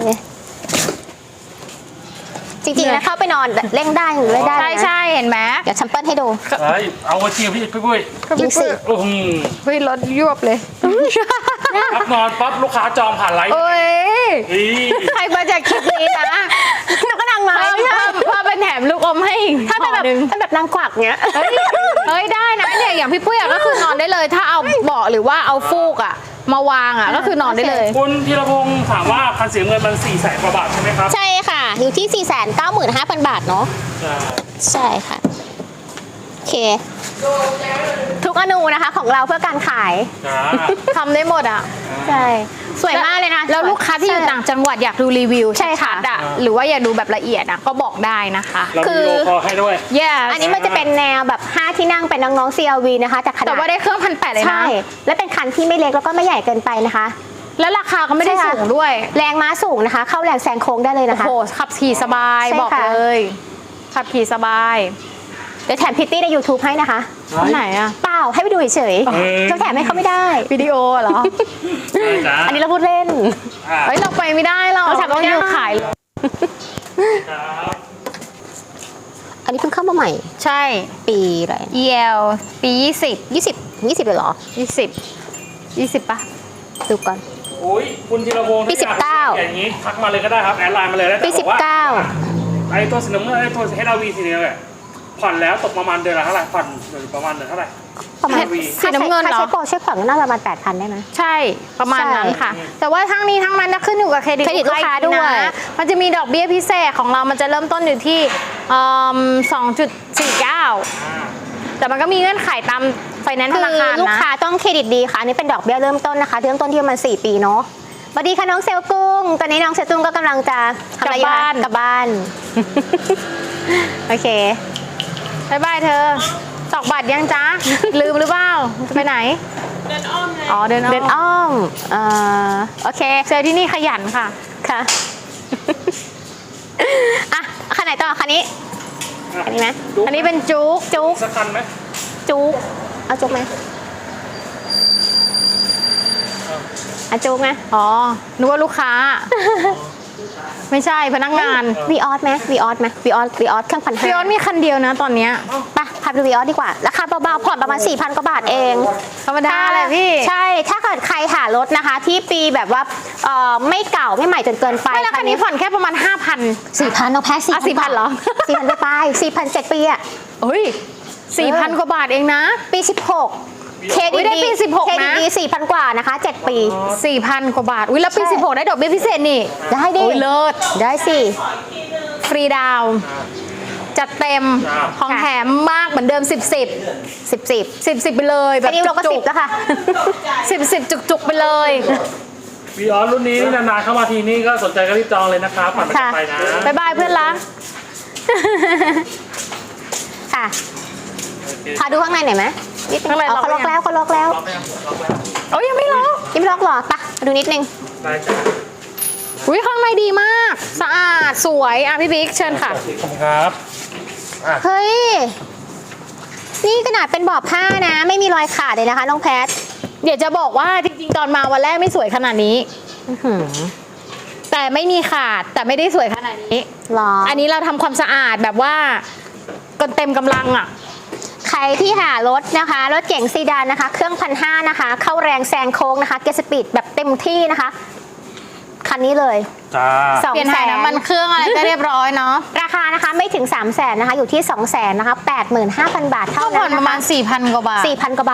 [SPEAKER 1] จริงๆแล้วเข้าไปนอนเร่งได้หรือไม่ได้
[SPEAKER 2] ใช่
[SPEAKER 1] เลยนะ
[SPEAKER 2] ใช่เห็นไหม
[SPEAKER 1] เดี๋ยวแชมเปิลให้ดู
[SPEAKER 3] เฮ้ยเอามาเชียร์พี่พี่ปุ้ย
[SPEAKER 1] ยิงสิ
[SPEAKER 3] โอ้โห
[SPEAKER 2] เฮ้ยรถยวบเลย
[SPEAKER 3] พักนอนปั๊บลูกค้าจองผ่านไลฟ์
[SPEAKER 2] โอ้ย
[SPEAKER 3] นี่
[SPEAKER 2] ใครมาจากคลิปนี้นะ
[SPEAKER 1] หนูก็นั่งมา
[SPEAKER 2] เพิ่มเพิ่มเพิ่มเป็นแถมลูกอมให้อีก
[SPEAKER 1] ถ้าเป็นแบบ
[SPEAKER 2] ห่อหนึ่ง
[SPEAKER 1] ถ้าแบบนางกวักเนี้ย
[SPEAKER 2] เฮ้ยเฮ้ยได้นะเนี่ยอย่างพี่ปุ้ยอะก็คือนอนได้เลย ถ้าเอาเบาะหรือว่าเอาฟูกอะมาวางอะก็คือนอนได้เลย
[SPEAKER 3] คุณธีรพงศ์ถามว่าคันสีน้ำเงินมันสี่แสนกว่าบาทใช่ไหมครับ
[SPEAKER 1] ใช่ค่ะ อยู่ที่ สี่แสนเก้าหมื่นห้าพัน บาทเนาะ
[SPEAKER 3] ใช่
[SPEAKER 1] ใช่ค่ะ โอเค ทุกอนูนะคะของเราเพื่อการขาย
[SPEAKER 3] จ้า
[SPEAKER 2] ทำได้หมดอะ
[SPEAKER 1] ใช่ สวยมากเลยนะ
[SPEAKER 2] แล้วลูกค้าที่อยู่
[SPEAKER 1] ใช่
[SPEAKER 2] ต่างจังหวัดอยากดูรีวิว
[SPEAKER 1] ใช่ค่ะ
[SPEAKER 2] ชัดๆอะหรือว่าอยากดูแบบละเอียดอะก็บอกได้นะคะ
[SPEAKER 3] เรา
[SPEAKER 1] คื
[SPEAKER 3] มี
[SPEAKER 1] อ
[SPEAKER 3] โลคอให้ด้วย
[SPEAKER 2] yes
[SPEAKER 1] อันนี้มันจะเป็นแนวแบบ ห้า ที่นั่งเป็นน้องๆ ซี แอล วี นะคะแต่ขนาด
[SPEAKER 2] แต่ว่าได้เครื่องพันแปดเลยนะ
[SPEAKER 1] ใช่ และเป็นคันที่ไม่เล็กแล้วก็ไม่ใหญ่เกินไปนะคะ
[SPEAKER 2] แล้วราคาก็ไม่ได้
[SPEAKER 1] ใช่ค่ะ
[SPEAKER 2] สูงด้วย
[SPEAKER 1] แรงม้าสูงนะคะ เข้าแรงแซงโค้งได้เลย
[SPEAKER 2] โอ้
[SPEAKER 1] นะคะ
[SPEAKER 2] โหขับขี่สบาย
[SPEAKER 1] ใช่
[SPEAKER 2] บอก
[SPEAKER 1] ค่ะ
[SPEAKER 2] เลย ขับขี่สบาย
[SPEAKER 1] เดี๋ยวแถมพิตตี้ใน YouTube ให้นะคะ
[SPEAKER 2] ที่ไหนอะ
[SPEAKER 1] เปล่าให้ไปดูเฉย
[SPEAKER 3] เออ
[SPEAKER 1] ๆเขาแถมให้เขาไม่ได้
[SPEAKER 2] วิดีโอเหรอ
[SPEAKER 3] จ้า
[SPEAKER 1] อันนี้เราพูดเล่น
[SPEAKER 3] อ่า
[SPEAKER 2] เฮ้ยเราไปไม่ได้หรอก
[SPEAKER 1] เราทำไม่
[SPEAKER 2] ต้อง
[SPEAKER 1] ได้
[SPEAKER 2] ยืนขาย
[SPEAKER 3] ครับ
[SPEAKER 1] อันนี้เพิ่งเข้ามาใหม่
[SPEAKER 2] ใช่
[SPEAKER 1] ปีอะไร
[SPEAKER 2] อี แอล ปียี่สิบ
[SPEAKER 1] ยี่สิบยี่สิบเลยเหรอ
[SPEAKER 2] ยี่สิบยี่สิบป่ะ
[SPEAKER 1] ดูก่อน
[SPEAKER 3] โอ้ยคุณธีรพงศ์
[SPEAKER 1] ปีสิบเก้า
[SPEAKER 3] อย่างนี้ทักมาเลยก็ได้ครับแอดไลน์มาเลยแล้ว
[SPEAKER 1] ปี
[SPEAKER 3] แต่
[SPEAKER 1] สิ
[SPEAKER 3] อบ กว่า
[SPEAKER 1] เก้า
[SPEAKER 3] ไอ้ตัวสีน้ำเงินไอ้ตัวเฮดอาวีสีเนี้ยแหละผ่อนแล้วตกประมาณเดือนละเท่าไหร่ผ่อนประมาณเดือนเท่าไหร่
[SPEAKER 1] ประมาณ
[SPEAKER 2] สีน้ำเงินเหรอ
[SPEAKER 1] ค่าใช้โปรใช้ผ่อนก็น่าจะประมาณแปดพันได้ไหม
[SPEAKER 2] ใช่ประมาณนั้นค่ะ
[SPEAKER 3] ใช่
[SPEAKER 2] แต่ว่าทั้งนี้ทั้งนั้นนะขึ้นอยู่กับเครดิต
[SPEAKER 1] เครดิตลูกค้าด้วย
[SPEAKER 2] นะมันจะมีดอกเบี้ยพิเศษของเรามันจะเริ่มต้นอยู่ที่สองจุดสี่เก้า
[SPEAKER 3] อ่า
[SPEAKER 2] แต่มันก็มีเงื่อนไขตามไฟแนนซ์ธ
[SPEAKER 1] คือ
[SPEAKER 2] นาคาร
[SPEAKER 1] ลูก
[SPEAKER 2] นะ
[SPEAKER 1] ค้าต้องเครดิตดีค่ะ อันนี้เป็นดอกเบี้ยเริ่มต้นนะคะเริ่มต้นที่ประมาณสี่ปีเนาะสวัสดีค่ะน้องเซลกุ้ง ตอนนี้น้องเซลกุ้งก็กำลังจะทำอะไรอยู่
[SPEAKER 2] กลับ
[SPEAKER 1] คะ
[SPEAKER 2] บ้าน
[SPEAKER 1] กลับบ้าน โอเค
[SPEAKER 2] บายบายเธอตอกบัตรยังจ๊ะ ลืมหรือเปล่าจะไปไหน เดินอ้อมเลยอ๋อเดินอ้อม
[SPEAKER 1] เดินอ้อมเอ่อโอเค
[SPEAKER 2] เซลล์ที่นี่ขยันค่ะ
[SPEAKER 1] ค่ะ อ่ะคันไหนต่อคันนี้ อันนี้ไหม
[SPEAKER 2] อันนี้เป็นจุก
[SPEAKER 1] จุก
[SPEAKER 3] สักคันไหม
[SPEAKER 1] จุกเอาจุกไหมเอาจุกไหม
[SPEAKER 2] อ๋อนึกว่าลูกค้า ไม่ใช่พนักงาน
[SPEAKER 1] วีออสไหมวีออสไหมวีออสวีออสเครื่องพันห้า
[SPEAKER 2] พี่ออสมีคันเดียวนะตอนเนี้ย
[SPEAKER 1] ไปพาไปดูวีออสดีกว่า ราคาเบาๆผ่อนประมาณ สี่พัน กว่าบาทเอง
[SPEAKER 2] ธรรมดาแหละพี่
[SPEAKER 1] ใช่ ถ้าเกิดใครหารถนะคะ ที่ปีแบบว่าเอ่อไม่เก่าไม่ใหม่จนเกินไป
[SPEAKER 2] ไม่แล้วคันนี้ผ่อนแค่ประมาณ ห้าพัน
[SPEAKER 1] สี่พันเอาแพ้สี่
[SPEAKER 2] อ่ะ4,000เหรอ
[SPEAKER 1] สี่พันไปไปสี่พันเจ็ดปีอะ
[SPEAKER 2] เฮ้ยสี่พันกว่าบาทเองนะ
[SPEAKER 1] ปีสิบหกเคร
[SPEAKER 2] อุ๊
[SPEAKER 1] ดิ
[SPEAKER 2] ย
[SPEAKER 1] ต
[SPEAKER 2] ได้ปีสิบหก
[SPEAKER 1] เครดิต
[SPEAKER 2] นะ
[SPEAKER 1] ดีสี่พันกว่านะคะเจ็ดปี
[SPEAKER 2] สี่พันกว่าบาท อุ้ยแล้วปี
[SPEAKER 1] ใช่
[SPEAKER 2] สิบหกได้ดอกเบี้ยพิเศษนี่
[SPEAKER 1] ได้ดิ
[SPEAKER 2] โอ้ยเลิศ
[SPEAKER 1] ได้สิ
[SPEAKER 2] ฟรีดาวน์จัดเต็ม ของแถมมากเหมือนเดิมสิบสิบ
[SPEAKER 1] สิบสิบ
[SPEAKER 2] สิบสิบไปเลยแบ
[SPEAKER 1] อั
[SPEAKER 2] บ
[SPEAKER 1] นนี้เราก็
[SPEAKER 2] จุ
[SPEAKER 1] สิ
[SPEAKER 2] ก
[SPEAKER 1] บแล้วค่ะ
[SPEAKER 2] สิบสิบจุกๆไปเลย
[SPEAKER 3] วีออสรุ่นนี้นานๆเข้ามาทีนี่ก็สนใจก็รีบจองเลยนะครับผ่อนไม่ต้องไปนะ
[SPEAKER 2] บ๊ายบายเพื่อนรัก
[SPEAKER 1] ค่ะ พาดูข้างในหน่อยไหมนิดนึง
[SPEAKER 2] ข้างใน
[SPEAKER 1] อ๋อเขา
[SPEAKER 2] ล็
[SPEAKER 1] ล็
[SPEAKER 2] อ
[SPEAKER 1] อก ก
[SPEAKER 2] ไว้
[SPEAKER 1] แล้วเขาล็อกแล้ว
[SPEAKER 3] ล็อกไหมครับล็อกแล้ว
[SPEAKER 2] โอ้ยยังไม่ล็อก
[SPEAKER 1] ยังไม่ล็อกเหรอไปะมาดูนิดนึง
[SPEAKER 3] ได้จ้ะ
[SPEAKER 2] อุ้ยข้างในดีมาก สะอาดสวยอ่ะพี่บิ๊กเชิญค่ะ
[SPEAKER 3] ขอบคุณครับอ่ะ
[SPEAKER 1] เฮ้ย นี่ขนาดเป็นเบาะผ้านะ ไม่มีรอยขาดเลยนะคะน้องแพท
[SPEAKER 2] เดี๋ยวจะบอกว่าจริงๆตอนมาวันแรกไม่สวยขนาดนี้
[SPEAKER 1] อื้อหือ
[SPEAKER 2] แต่ไม่มีขาดแต่ไม่ได้สวยขนาดนี้
[SPEAKER 1] หรอ
[SPEAKER 2] อันนี้เราทำความสะอาดแบบว่ากันเต็มกำลังอ่ะ
[SPEAKER 1] ใครที่หารถนะคะ รถเก๋งซีดานนะคะ เครื่องพันห้านะคะ เข้าแรงแซงโค้งนะคะ เกสปีดแบบเต็มที่นะคะ คันนี้เลย
[SPEAKER 3] จ้า
[SPEAKER 1] สอง
[SPEAKER 2] เปลี่ยนถ่ายน้ำมันเครื่องอะไรก็เรียบร้อยเนาะ
[SPEAKER 1] ราคานะคะไม่ถึง สามแสนนะคะ อยู่ที่ สองแสนนะคะ แปดหมื่นห้าพัน บาท
[SPEAKER 2] ก็
[SPEAKER 1] เท่า
[SPEAKER 2] ผ่
[SPEAKER 1] นั้
[SPEAKER 2] อน
[SPEAKER 1] น
[SPEAKER 2] ประ
[SPEAKER 1] นะ
[SPEAKER 2] มา
[SPEAKER 1] คะ
[SPEAKER 2] ณ สี่พัน กว่าบาท
[SPEAKER 1] สี่พัน กว่าบาท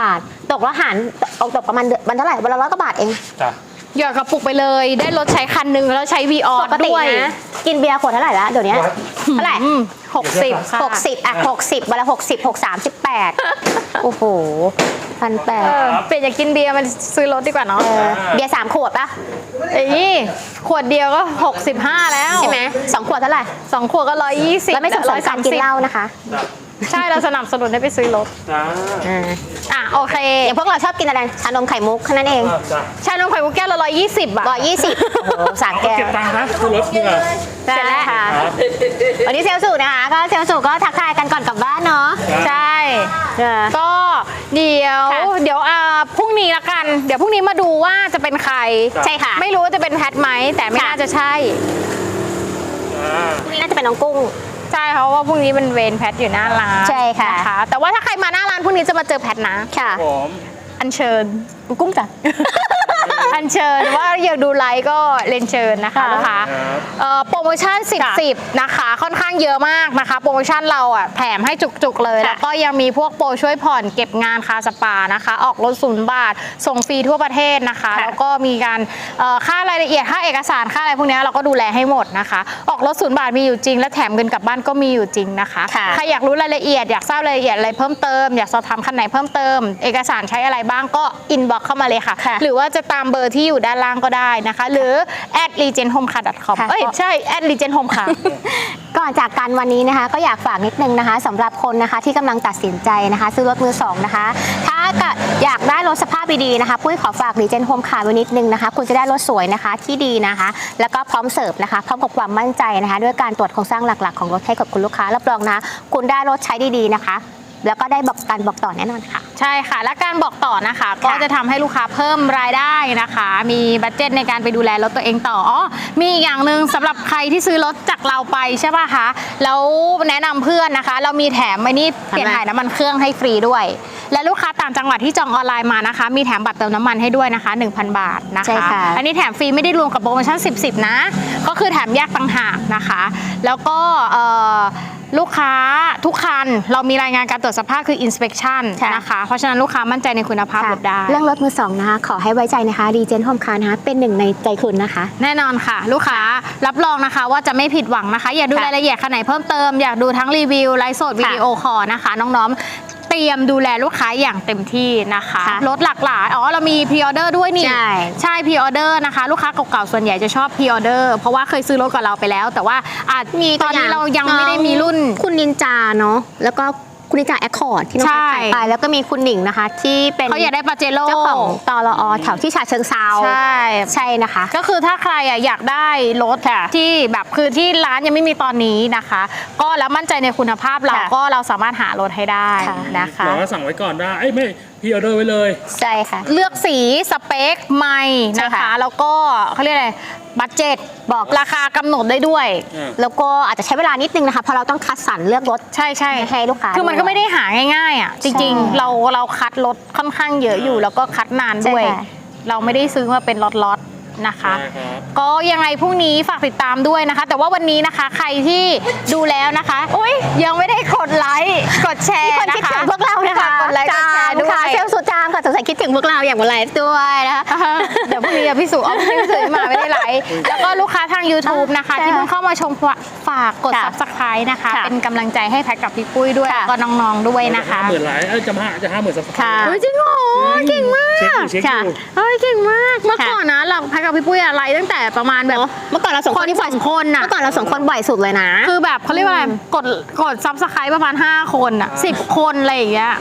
[SPEAKER 1] ตกแล้วหารตกตกประมาณเดือนวันเท่าไหร่วันละร้อยกว่าบาทเอง
[SPEAKER 3] จ้ะ
[SPEAKER 2] หยอดกระปุกไปเลยได้รถใช้คันหนึ่งแล้วใช้วีออ
[SPEAKER 1] ปกติ
[SPEAKER 2] ด้วย
[SPEAKER 1] นะกินเบียร์ขวดเท่าไหร่ละเดี๋ยวนี้เท่าไหร่
[SPEAKER 2] หกสิบค่ะ
[SPEAKER 1] หกสิบอ่ะหกสิบวันละหกสิบหกสามสิบแปดโอ้โหพันแป
[SPEAKER 2] เอ
[SPEAKER 1] ด
[SPEAKER 2] อเปลี่ยนจากกินเบียร์มันซื้อรถดีกว่าเนาะ
[SPEAKER 1] เบียร์สามขวดปะ
[SPEAKER 2] เอ้ยขวดเดียวก็หกสิบห้าแล้ว
[SPEAKER 1] ใช่ไหมสองขวดเท่าไหร่
[SPEAKER 2] สองขวดก็ร้อยยี่สิบ
[SPEAKER 1] แล้วไม่สนับสนุนการกินเหล้านะคะ
[SPEAKER 3] จ้ะ
[SPEAKER 2] ใช่เราสนับสนุนให้ไปซื้อรถ
[SPEAKER 3] จ้า
[SPEAKER 1] อ่า
[SPEAKER 2] อ่ะโอเค
[SPEAKER 1] อย่างพวกเราชอบกินอะไรชานมไข่มุกแค่นั้นเอง
[SPEAKER 3] จ้ะ
[SPEAKER 2] ชานมไข่มุกแก้วละร้อยยี่สิบอ่ะ
[SPEAKER 1] ร้อยยี่สิบโอ้โหสาม
[SPEAKER 3] เอา
[SPEAKER 1] แก้ว
[SPEAKER 3] เก็บตังค์นะคือรถนี่ไง
[SPEAKER 1] เสร็จแล้วค่ะ
[SPEAKER 3] ครับ
[SPEAKER 1] วันนี้เซลล์สูนะคะก็เซลล์สูก็ทักทายกันก่อนกลับบ้านเนาะ
[SPEAKER 2] ใช่
[SPEAKER 1] เออ
[SPEAKER 2] ก็เดี๋ยว
[SPEAKER 1] ค่ะ
[SPEAKER 2] เดี๋ยวอ่าพรุ่งนี้ละกัน เดี๋ยวพรุ่งนี้มาดูว่าจะเป็นใคร
[SPEAKER 1] ใช่ค่ะ
[SPEAKER 2] ไม่รู้ว่าจะเป็นแพทไหมแต่ไม่
[SPEAKER 1] ค่ะ
[SPEAKER 2] น่าจะใช่
[SPEAKER 3] อ่า
[SPEAKER 1] พรุ่งนี้น่าจะเป็นน้องกุ้ง
[SPEAKER 2] ใช่เพราะว่าพรุ่งนี้เป็นเวรแพทอยู่หน้าร้าน
[SPEAKER 1] ใช่ค่ะ
[SPEAKER 2] นแต่ว่าถ้าใครมาหน้าร้านพรุ่งนี้จะมาเจอแพทนะ
[SPEAKER 1] ค่ะ
[SPEAKER 3] ผม
[SPEAKER 2] อัญเชิญกุ้งจ้ะ อัญเชิญว่าอยากดูไลฟ์ก็เรียนเชิญนะคะ
[SPEAKER 1] ค่ะ
[SPEAKER 2] ลูกค้า
[SPEAKER 3] ครับ
[SPEAKER 2] เอ่อโปรโมชั่นสิบ
[SPEAKER 1] ค่ะ
[SPEAKER 2] สิบนะคะค่อนข้างเยอะมากนะคะ โปรโมชั่นเราอ่ะแถมให้จุกๆเลย
[SPEAKER 1] ค่ะ
[SPEAKER 2] แล้วก็ยังมีพวกโปรช่วยผ่อนเก็บงานคาสปานะคะ ออกรถศูนย์บาท ส่งฟรีทั่วประเทศนะคะ
[SPEAKER 1] ค่ะ
[SPEAKER 2] แล้วก็มีการเอ่อค่ารายละเอียดค่าเอกสารค่าอะไรพวกเนี้ยเราก็ดูแลให้หมดนะคะ ออกรถศูนย์บาทมีอยู่จริง และแถมเงินกลับบ้านก็มีอยู่จริงนะคะ
[SPEAKER 1] ค่ะ
[SPEAKER 2] ใครอยากรู้รายละเอียดอยากทราบรายละเอียดอะไรเพิ่มเติมอยากสอบถามคันไหนเพิ่มเติม เอกสารใช้อะไรบ้างก็อินบ็อกเข้ามาเลยค่ะ
[SPEAKER 1] ค่ะ
[SPEAKER 2] หรือว่าจะตามเบอร์ที่อยู่ด้านล่างก็ได้นะคะ หรือ at legendhomecar dot com
[SPEAKER 1] ค่ะ
[SPEAKER 2] เอ้ยใช่ at legendhomecar
[SPEAKER 1] ก่อนจากกันวันนี้นะคะ ก็อยากฝากนิดนึงนะคะสำหรับคนนะคะที่กำลังตัดสินใจนะคะ ซื้อรถมือสองนะคะ ถ้าเกิดอยากได้รถสภาพดีๆนะคะปุ้ยขอฝากรีเจนโฮมคาร์ไว้นิดนึงนะคะ คุณจะได้รถสวยนะคะที่ดีนะคะ แล้วก็พร้อมเสิร์ฟนะคะพร้อมกับความมั่นใจนะคะ ด้วยการตรวจโครงสร้างหลักๆของรถให้กับคุณลูกค้ารับรองนะ คุณได้รถใช้ดีๆนะคะ แล้วก็ได้บอกการบอกต่อแน่นอนค่ะ
[SPEAKER 2] ใช่ค่ะ และการบอกต่อนะคะ ก็จะทำให้ลูกค้าเพิ่มรายได้นะคะ มีบัดเจ็ตในการไปดูแลรถตัวเองต่ออ๋อมีอีกอย่างหนึ่งสำหรับใครที่ซื้อรถจากเราไปใช่ป่ะคะแล้วแนะนำเพื่อนนะคะ เรามีแถมไอ้นี่เปลี่ยนถ่ายน้ำมันเครื่องให้ฟรีด้วย และลูกค้าต่างจังหวัดที่จองออนไลน์มานะคะ มีแถมบัตรเติมน้ำมันให้ด้วยนะคะ หนึ่งพัน บาทนะ
[SPEAKER 1] ใช่
[SPEAKER 2] คะ
[SPEAKER 1] ค่ะ
[SPEAKER 2] อันนี้แถมฟรีไม่ได้รวมกับโปรโมชั่นสิบ สิบนะก็คือแถมแยกต่างหากนะคะ แล้วก็เอ่อลูกค้าทุกคันเรามีรายงานการตรวจสภาพคือ inspection
[SPEAKER 1] ค่ะ
[SPEAKER 2] นะคะ เพราะฉะนั้นลูกค้ามั่นใจในคุณภาพรถได้
[SPEAKER 1] เรื่องรถมือสองนะคะขอให้ไว้ใจนะคะรีเจนโฮมคาร์นะคะเป็นหนึ่งในใจคุณนะคะ
[SPEAKER 2] แน่นอนค่ะ ลูกค้ารับรองนะคะว่าจะไม่ผิดหวังนะคะ อยากดู
[SPEAKER 1] ค่ะ
[SPEAKER 2] รายละเอียดคันไหนเพิ่มเติม อยากดูทั้งรีวิวไลฟ์สดวิดีโอคอลนะคะ น้องๆเตรียมดูแลลูกค้าอย่างเต็มที่นะคะ
[SPEAKER 1] ค่ะ
[SPEAKER 2] รถหลากหลายอ๋อเรามีพรีออเดอร์ด้วยนี่
[SPEAKER 1] ใช่
[SPEAKER 2] ใช่พรีออเดอร์นะคะ ลูกค้าเก่าๆส่วนใหญ่จะชอบพรีออเดอร์เพราะว่าเคยซื้อรถกับเราไปแล้ว แต่ว่าอาจมีตอนนี้เรายังไม่ได้มีรุ่น
[SPEAKER 1] คุณนินจาเนาะแล้วก็คุณนินจาแอคคอร์ดที่น้อง
[SPEAKER 2] ใช่
[SPEAKER 1] ขายไปแล้วก็มีคุณหนิงนะคะ ที่เป็น
[SPEAKER 2] เขาอยากได้ปาเจโร่
[SPEAKER 1] เจ้าของตลอแถวที่ฉะเชิงเซา
[SPEAKER 2] ใช่
[SPEAKER 1] ใช่นะคะ
[SPEAKER 2] ก็คือถ้าใครอ่ะอยากได้รถที่แบบคือที่ร้านยังไม่มีตอนนี้นะคะ ก็แล้วมั่นใจในคุณภาพเรา
[SPEAKER 1] ค่ะ
[SPEAKER 2] ก็เราสามารถหารถให้ได้
[SPEAKER 1] ค่ะ
[SPEAKER 2] นะคะ
[SPEAKER 3] บอกว่าสั่งไว้ก่อนได้เอ้ยไม่พี่ออเดอร์ไว้เลย
[SPEAKER 1] ใช่ค่ะ
[SPEAKER 2] เลือกสีสเปคไม่นะ
[SPEAKER 1] ใช่
[SPEAKER 2] คะ
[SPEAKER 1] ค่ะ
[SPEAKER 2] แล้วก็เขาเรียกอะไรบัตเจ็ตบอกราคากำหนดได้ด้วย
[SPEAKER 3] อืม
[SPEAKER 1] แล้วก็อาจจะใช้เวลานิดนึงนะคะเพราะเราต้องคัดสรรเลือกรถ
[SPEAKER 2] ใช่ใช่
[SPEAKER 1] ให้ลูกค้า
[SPEAKER 2] คือมันก็ไม่ได้หาง่ายๆอ่ะจริง
[SPEAKER 1] ใช่
[SPEAKER 2] ๆ เราเราคัดรถค่อนข้างเยอะอยู่ แล้วก็คัดนานด้วย
[SPEAKER 1] ใช่ค่ะ
[SPEAKER 2] เราไม่ได้ซื้อมาเป็นล็อตๆนะคะ
[SPEAKER 3] ได้ครับ
[SPEAKER 2] ก็ยังไงพรุ่งนี้ฝากติดตามด้วยนะคะ แต่ว่าวันนี้นะคะใครที่ดูแล้วนะคะอุ้ยยังไม่ได้กดไลค์กดแชร์
[SPEAKER 1] มีคน
[SPEAKER 2] นะ
[SPEAKER 1] คิด
[SPEAKER 2] คะ
[SPEAKER 1] ถึงพวกเรานะคะ
[SPEAKER 2] ฝกกดไลค์กดแชร์ด้ว
[SPEAKER 1] ค่ะ
[SPEAKER 2] ย
[SPEAKER 1] เซลล์สุดจามค่ะสงสัยคิดถึงพวกเราอย่างวันไลฟ์ด้วยนะคะ
[SPEAKER 2] อ่าเดี๋ยวพรุ่งนี้พี่สุเอาพี่สุมาไม่ได้ไลค์แล้วก็ลูกค้าทาง YouTube นะคะ
[SPEAKER 1] ค่ะ
[SPEAKER 2] ที่เพิ่งเข้ามาชมฝากกด
[SPEAKER 1] ค่ะ
[SPEAKER 2] Subscribe นะคะ
[SPEAKER 1] ค่ะ
[SPEAKER 2] เป็นกำลังใจให้แพทกับพี่ปุ้ยด้วย
[SPEAKER 1] ค่ะ
[SPEAKER 2] แล้วก็น้องๆด้วยนะคะ
[SPEAKER 3] ห้าหมื่นไลค์เอ้ยจะห้าจะห้าหมื่นสับ
[SPEAKER 1] ค่ะ
[SPEAKER 2] เฮ้ยจริงเหรอเก่งมาก
[SPEAKER 3] เช็คอยู่เช็คอยู่
[SPEAKER 2] เฮ้ยเก่งมากเมื่อ
[SPEAKER 1] ค่ะ
[SPEAKER 2] ก่อนนะเราแพทกับพี่ปุ้ยอะไรตั้งแต่ประมาณแบบ
[SPEAKER 1] เมื่อก่อนเราสองคนที่บ่อย
[SPEAKER 2] สองคนน่ะ
[SPEAKER 1] เมื่อก่อนเราสองคนบ่อยสุดเลยนะ
[SPEAKER 2] คือแบบเขาเรียกว่าอะไรกดกดซับสไครต์ประมาณห้าคนอ่ะสิบคนอะไรอย่างเงี้ย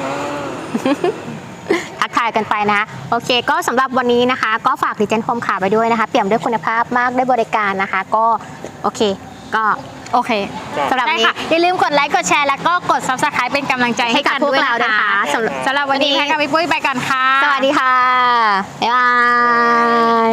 [SPEAKER 1] ทักทายกันไปนะคะโอเค ก็สำหรับวันนี้นะคะ ก็ฝากดิเจนโฮมคาร์ไปด้วยนะคะเปี่ยมด้วยคุณภาพมากด้วยบริการนะคะ ก็โอเค ก็
[SPEAKER 2] โอเค
[SPEAKER 1] สำหรับ
[SPEAKER 2] ได้
[SPEAKER 1] วันนี้
[SPEAKER 2] ค่ะอย่าลืมกดไลค์กดแชร์แล้วก็กด Subscribe เป็นกำลังใจให้
[SPEAKER 1] ให้กับ
[SPEAKER 2] กัน
[SPEAKER 1] พวก
[SPEAKER 2] ด้วย
[SPEAKER 1] เรา
[SPEAKER 2] นะ
[SPEAKER 1] ด้วยนะคะ
[SPEAKER 2] คะ
[SPEAKER 1] สำหรับ
[SPEAKER 2] สำหรับวันนี้
[SPEAKER 1] วันนี้
[SPEAKER 2] แพทกับพี่ปุ้ยไปก่อนค่ะ
[SPEAKER 1] สวัสดีค่ะ บ๊ายบาย